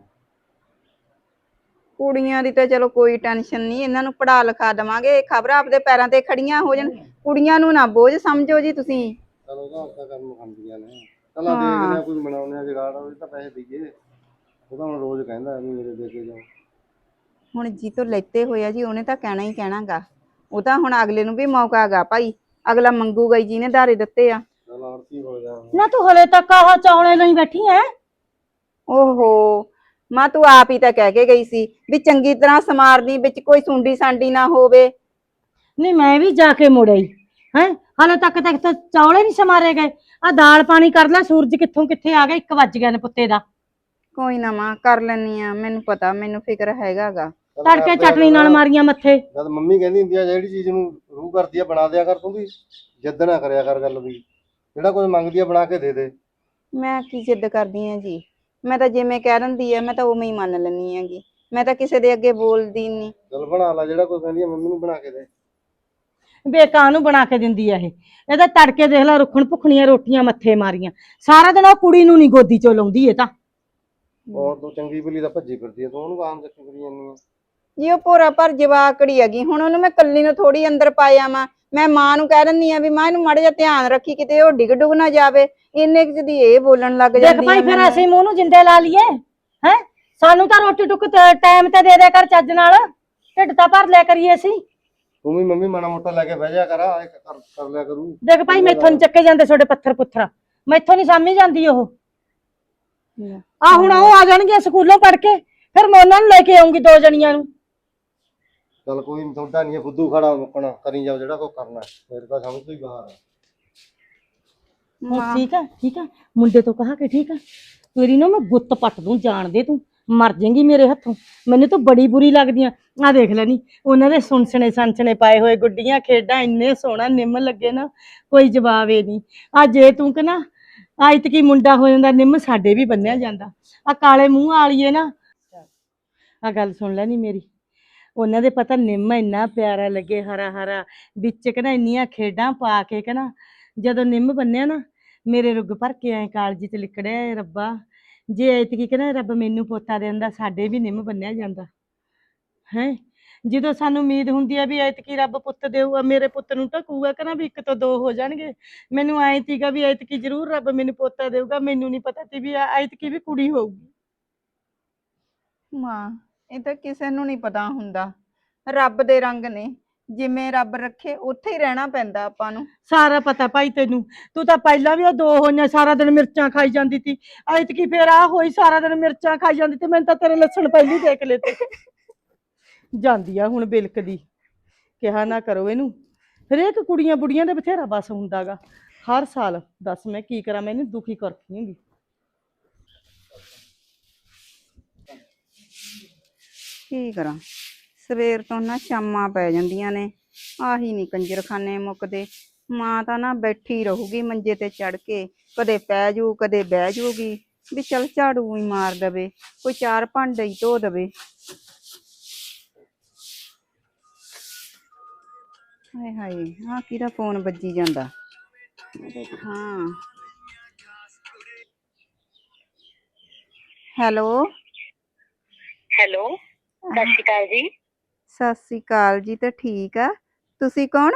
Speaker 1: ਕੁੜੀਆਂ ਦੀ ਤਾਂ ਚਲੋ ਕੋਈ ਟੈਨਸ਼ਨ ਨਹੀਂ, ਇਹਨਾਂ ਨੂੰ ਪੜ੍ਹਾ ਲਿਖਾ ਦੇਵਾਂਗੇ, ਖਬਰ ਆਪਦੇ ਪੈਰਾਂ ਤੇ ਖੜੀਆਂ ਹੋ ਜਾਣ। ਕੁੜੀਆਂ ਨੂੰ ਨਾ ਬੋਝ ਸਮਝੋ ਜੀ ਤੁਸੀਂ।
Speaker 3: ਚਲ ਉਹਦਾ ਆਪਦਾ ਕੰਮ ਖਾਂਦੀਆਂ ਨੇ, ਚਲ ਆ ਦੇਖਦੇ ਆ ਕੋਈ ਬਣਾਉਂਦੇ ਆ ਜੁਗਾੜ, ਉਹਦੇ ਤਾਂ ਪੈਸੇ ਦਈਏ। ਉਹ ਤਾਂ ਹੁਣ ਰੋਜ਼ ਕਹਿੰਦਾ ਵੀ ਮੇਰੇ ਦੇ ਕੇ ਜਾਓ।
Speaker 1: ਹੁਣ ਜੀ ਤੋਂ ਲੈਤੇ ਹੋਇਆ ਜੀ, ਉਹਨੇ ਤਾਂ ਕਹਿਣਾ ਹੀ ਕਹਿਣਾਗਾ, ਉਹ ਤਾਂ ਹੁਣ ਅਗਲੇ ਨੂੰ ਵੀ ਮੌਕਾ ਹੈਗਾ ਭਾਈ, ਅਗਲਾ ਮੰਗੂਗਾ ਹੀ ਜਿਹਨੇ ਧਾਰੇ ਦਿੱਤੇ ਆ।
Speaker 3: ਚਲ ਆਰਤੀ ਹੋ ਜਾ
Speaker 2: ਨਾ ਤੂੰ ਹਲੇ ਤੱਕ ਆਹ ਚੌਲੇ ਲਈ ਬੈਠੀ ਐ?
Speaker 1: ਓਹੋ ਮਾਂ, ਤੂੰ ਆਪ ਹੀ ਤਾਂ ਕਹਿ ਕੇ ਗਈ ਸੀ ਵੀ ਚੰਗੀ ਤਰ੍ਹਾਂ ਸਮਾਰਨੀ, ਵਿੱਚ ਕੋਈ ਸੁੰਡੀ ਸਾਂਡੀ ਨਾ ਹੋਵੇ।
Speaker 2: ਨਹੀਂ ਮੈਂ ਵੀ ਜਾ ਕੇ ਮੁੜ ਆਈ ਹੈ, ਹਲੇ ਤੱਕ ਤੱਕ ਤਾਂ ਚੌਲੇ ਨਹੀਂ ਸਮਾਰੇ ਗਏ। ਆ ਦਾਲ ਪਾਣੀ ਕਰ ਲੈ, ਸੂਰਜ ਕਿੱਥੋਂ ਕਿੱਥੇ ਆ ਗਿਆ, ਇੱਕ ਵੱਜ ਗਿਆ ਨੇ ਪੁੱਤੇ ਦਾ।
Speaker 1: ਕੋਈ ਨਾ ਮਾਂ ਕਰ ਲੈਣੀ ਆ, ਮੈਨੂੰ ਪਤਾ, ਮੈਨੂੰ ਫਿਕਰ ਹੈਗਾਗਾ।
Speaker 2: ਤੜਕੇ ਚਟਨੀ ਨਾਲ ਮਾਰੀਆਂ ਮੱਥੇ।
Speaker 3: ਜਦ ਮੰਮੀ ਕਹਿੰਦੀ ਹੁੰਦੀ ਆ ਜਿਹੜੀ ਚੀਜ਼ ਨੂੰ ਰੂਹ ਕਰਦੀ ਆ ਬਣਾ ਦਿਆ ਕਰ, ਤੂੰ ਵੀ ਜਿੱਦ ਨਾ ਕਰਿਆ ਕਰ ਗੱਲ ਵੀ, ਜਿਹੜਾ ਕੁਝ ਮੰਗਦੀ ਆ ਬਣਾ ਕੇ ਦੇ ਦੇ।
Speaker 1: ਮੈਂ ਕੀ ਜਿੱਦ ਕਰਦੀ ਆ ਜੀ, ਮੈਂ ਤਾਂ ਜਿਵੇਂ ਕਹਿ ਦਿੰਦੀ ਆ ਮੈਂ ਤਾਂ ਉਵੇਂ ਹੀ ਮੰਨ ਲੈਂਦੀ ਹੈਗੀ, ਮੈਂ ਤਾਂ ਕਿਸੇ ਦੇ ਅੱਗੇ ਬੋਲਦੀ ਨਹੀਂ।
Speaker 3: ਚਲ ਬਣਾ ਲੈ, ਜਿਹੜਾ ਕੁਝ ਕਹਿੰਦੀ ਆ ਮੰਮੀ ਨੂੰ ਬਣਾ ਕੇ ਦੇ।
Speaker 2: ਬੇਕਾਂ ਨੂੰ ਬਣਾ ਕੇ ਦਿੰਦੀ ਆ ਇਹ, ਇਹਦਾ ਤੜਕੇ ਦੇਖ ਲੈ ਰੁੱਖਣ ਭੁੱਖਣੀਆਂ ਰੋਟੀਆਂ ਮੱਥੇ ਮਾਰੀਆਂ, ਸਾਰਾ ਦਿਨ ਉਹ ਕੁੜੀ ਨੂੰ ਨਹੀਂ ਗੋਦੀ ਚੋਂ ਲਾਉਂਦੀ ਇਹ ਤਾਂ।
Speaker 3: ਔਰ ਤੂੰ ਚੰਗੀ ਭਲੀ ਦਾ ਭੱਜੀ ਫਿਰਦੀ ਆ, ਤੂੰ ਉਹਨੂੰ ਆਮ ਚੱਕੀ ਫਿਰੀ ਜਾਂਦੀ ਆ।
Speaker 1: ਜੀ ਉਹ ਭੋਰਾ ਭਰ ਜਵਾਕੜੀ ਹੈਗੀ, ਹੁਣ ਉਹਨੂੰ ਮੈਂ ਕੱਲੀ ਨੂੰ ਥੋੜੀ ਅੰਦਰ ਪਾਇਆ ਮਾਂ, ਮੈਂ ਮਾਂ ਨੂੰ ਕਹਿ ਦਿੰਦੀ ਆ ਵੀ ਮਾਂ ਇਹਨੂੰ ਮਾੜਾ ਜਿਹਾ ਧਿਆਨ ਰੱਖੀ, ਕਿਤੇ ਉਹ ਡਿੱਗ ਡੁੱਗ ਨਾ ਜਾਵੇ। ਇੰਨੇ ਕੁ ਦੀ ਇਹ ਬੋਲਣ ਲੱਗ ਜਾਂਦੀ ਆ।
Speaker 2: ਦੇਖ ਭਾਈ ਫਿਰ ਅਸੀਂ ਮੂੰਹ ਨੂੰ ਜਿੰਦੇ ਲਾ ਲਈਏ ਹੈ, ਸਾਨੂੰ ਤਾਂ ਰੋਟੀ ਟੁੱਕ ਟਾਈਮ ਤੇ ਦੇ ਦਿਆ ਕਰ ਚੱਜ ਨਾਲ, ਢਿੱਡ ਤਾਂ ਭਰ ਲਿਆ ਕਰੀਏ ਅਸੀਂ।
Speaker 3: ਤੂੰ ਵੀ ਮੰਮੀ ਮਾੜਾ ਮੋਟਾ ਲੈ ਕੇ ਬਹਿ ਜਾ ਕਰ, ਆ ਕਰ ਕਰ ਲਿਆ ਕਰੂ।
Speaker 2: ਦੇਖ ਭਾਈ ਮੈਥੋਂ ਨੀ ਚੱਕੇ ਜਾਂਦੇ ਤੁਹਾਡੇ ਪੱਥਰ ਪੁੱਥਰ, ਮੈਥੋਂ ਨਹੀਂ ਸਾਮੀ ਜਾਂਦੀ ਉਹ। ਆ ਹੁਣ ਉਹ ਆ ਜਾਣਗੇ ਸਕੂਲੋਂ ਪੜ ਕੇ, ਫਿਰ ਮੈਂ ਉਹਨਾਂ ਨੂੰ ਲੈ ਕੇ ਆਉਂਗੀ ਦੋ ਜਣੀਆਂ ਨੂੰ।
Speaker 3: ਚਲ ਕੋਈ ਨੀ, ਤੁਹਾਡਾ ਨਹੀਂ ਫੁੱਦੂ ਖੜਾ ਮੁੱਕਣਾ, ਕਰੀ ਜਾਓ ਜਿਹੜਾ ਕੋ ਕਰਨਾ, ਮੇਰੇ ਤਾਂ ਸਮਝ ਤੋਂ ਹੀ ਬਾਹਰ ਆ।
Speaker 2: ਹੁਣ ਠੀਕ ਆ ਠੀਕ ਆ, ਮੁੰਡੇ ਤੋਂ ਕਹਾ ਕੇ ਠੀਕ ਆ, ਤੇਰੀ ਨਾ ਮੈਂ ਗੁੱਤ ਪੱਟ ਦੂੰ, ਜਾਣ ਦੇ ਤੂੰ ਮਰ ਜਾਏਂਗੀ ਮੇਰੇ ਹੱਥੋਂ, ਮੈਨੂੰ ਤਾਂ ਬੜੀ ਬੁਰੀ ਲੱਗਦੀ ਆ। ਆ ਦੇਖ ਲੈ ਨੀ ਉਹਨਾਂ ਦੇ ਸੁਣਸਣੇ ਸੰਸਣੇ ਪਾਏ ਹੋਏ, ਗੁੱਡੀਆਂ ਖੇਡਾਂ, ਇੰਨੇ ਸੋਹਣਾ ਨਿੰਮ ਲੱਗੇ ਨਾ, ਕੋਈ ਜਵਾਬ ਏ ਨਹੀਂ। ਆ ਜੇ ਤੂੰ ਕਿ ਨਾ ਆਇਤ ਕੀ ਮੁੰਡਾ ਹੋ ਜਾਂਦਾ, ਨਿੰਮ ਸਾਡੇ ਵੀ ਬੰਨਿਆ ਜਾਂਦਾ। ਆ ਕਾਲੇ ਮੂੰਹ ਵਾਲੀਏ ਨਾ, ਆ ਗੱਲ ਸੁਣ ਲੈ ਨੀ ਮੇਰੀ, ਉਹਨਾਂ ਦੇ ਪਤਾ ਨਿੰਮ ਇੰਨਾ ਪਿਆਰਾ ਲੱਗੇ, ਹਰਾ ਹਰਾ, ਵਿੱਚ ਕਿ ਨਾ ਇੰਨੀਆਂ ਖੇਡਾਂ ਪਾ ਕੇ ਕਿ ਨਾ, ਜਦੋਂ ਨਿੰਮ ਬੰਨਿਆ ਨਾ ਮੇਰੇ ਰੁੱਗ ਭਰ ਕੇ ਐ ਕਾਲਜੀ ਤੇ ਲਿਕੜਿਆ, ਰੱਬਾ ਜੇ ਐਤਕੀ ਕਿ ਨਾ ਰੱਬ ਮੈਨੂੰ ਪੋਤਾ ਦੇ ਦਿੰਦਾ, ਸਾਡੇ ਵੀ ਨਿੰਮ ਬੰਨਿਆ ਜਾਂਦਾ ਹੈ। ਜਦੋਂ ਸਾਨੂੰ ਉਮੀਦ ਹੁੰਦੀ ਆ ਵੀ ਐਤਕੀ ਰੱਬ ਪੁੱਤ ਦੇਊਗਾ, ਮੇਰੇ ਪੁੱਤ ਨੂੰ ਢਕੂਗਾ ਕਿ ਨਾ ਵੀ ਇੱਕ ਤੋਂ ਦੋ ਹੋ ਜਾਣਗੇ, ਮੈਨੂੰ ਐਂ ਤੀਗਾ ਵੀ ਐਤਕੀ ਜ਼ਰੂਰ ਰੱਬ ਮੈਨੂੰ ਪੋਤਾ ਦੇਊਗਾ, ਮੈਨੂੰ ਨਹੀਂ ਪਤਾ ਸੀ ਵੀ ਐਤਕੀ ਵੀ ਕੁੜੀ ਹੋਊਗੀ।
Speaker 1: ਮਾਂ ਇਹ ਤਾਂ ਕਿਸੇ ਨੂੰ ਨਹੀਂ ਪਤਾ ਹੁੰਦਾ, ਰੱਬ ਦੇ ਰੰਗ ਨੇ, ਜਿਵੇਂ ਰੱਬ ਰੱਖੇ ਉੱਥੇ ਹੀ ਰਹਿਣਾ ਪੈਂਦਾ ਆਪਾਂ ਨੂੰ।
Speaker 2: ਸਾਰਾ ਪਤਾ ਭਾਈ ਤੈਨੂੰ। ਤੂੰ ਤਾਂ ਪਹਿਲਾਂ ਵੀ ਉਹ ਦੋ ਹੋਈਆਂ ਸਾਰਾ ਦਿਨ ਮਿਰਚਾਂ ਖਾਈ ਜਾਂਦੀ ਤੀ। ਐਤਕੀ ਫੇਰ ਆ ਹੋਈ ਸਾਰਾ ਦਿਨ ਮਿਰਚਾਂ ਖਾਈ ਜਾਂਦੀ ਤੇ ਮੈਨੂੰ ਤਾਂ ਤੇਰੇ ਲੱਛਣ ਪਹਿਲੀ ਦੇਖ ਲਏ ਤੇ। ਜਾਂਦੀ ਆ ਹੁਣ ਬਿਲਕਦੀ। ਕਿਹਾ ਨਾ ਕਰੋ ਇਹਨੂੰ। ਹਰੇਕ ਕੁੜੀਆਂ ਬੁੜੀਆਂ ਦੇ ਬਥੇਰਾ ਬਸ ਹੁੰਦਾਗਾ। ਹਰ ਸਾਲ ਦੱਸ ਮੈਂ ਕੀ ਕਰਾਂ, ਮੈਨੂੰ ਦੁਖੀ ਕਰਦੀ ਹੁੰਦੀ।
Speaker 1: ਕੀ ਕਰਾਂ, ਸਵੇਰ ਤੋਂ ਨਾ ਸ਼ਾਮਾਂ ਪੈ ਜਾਂਦੀਆਂ ਨੇ, ਆਹੀ ਨੀ ਕੰਜਰਖਾਨੇ ਮੁੱਕਦੇ। ਮਾਂ ਤਾਂ ਨਾ ਬੈਠੀ ਰਹੂਗੀ ਮੰਜੇ ਤੇ ਚੜ ਕੇ, ਕਦੇ ਪੈ ਜੂ ਕਦੇ ਬਹਿ ਜੂਗੀ ਵੀ ਚੱਲ ਝਾੜੂ ਹੀ ਮਾਰ ਦਵੇ, ਕੋਈ ਚਾਰ ਭਾਂਡੇ ਹੀ ਧੋ ਦਵੇ। ਹਾਏ ਹਾਏ, ਆਹ ਕਿਹਦਾ ਫੋਨ ਵੱਜੀ ਜਾਂਦਾ, ਦੇਖਾਂ। ਹੈਲੋ
Speaker 4: ਹੈਲੋ, ਸਤਿ ਸ਼੍ਰੀ ਅਕਾਲ ਜੀ।
Speaker 1: ਸਤਿ ਸ੍ਰੀ ਅਕਾਲ ਜੀ। ਤਾਂ ਠੀਕ ਆ, ਤੁਸੀਂ ਕੌਣ?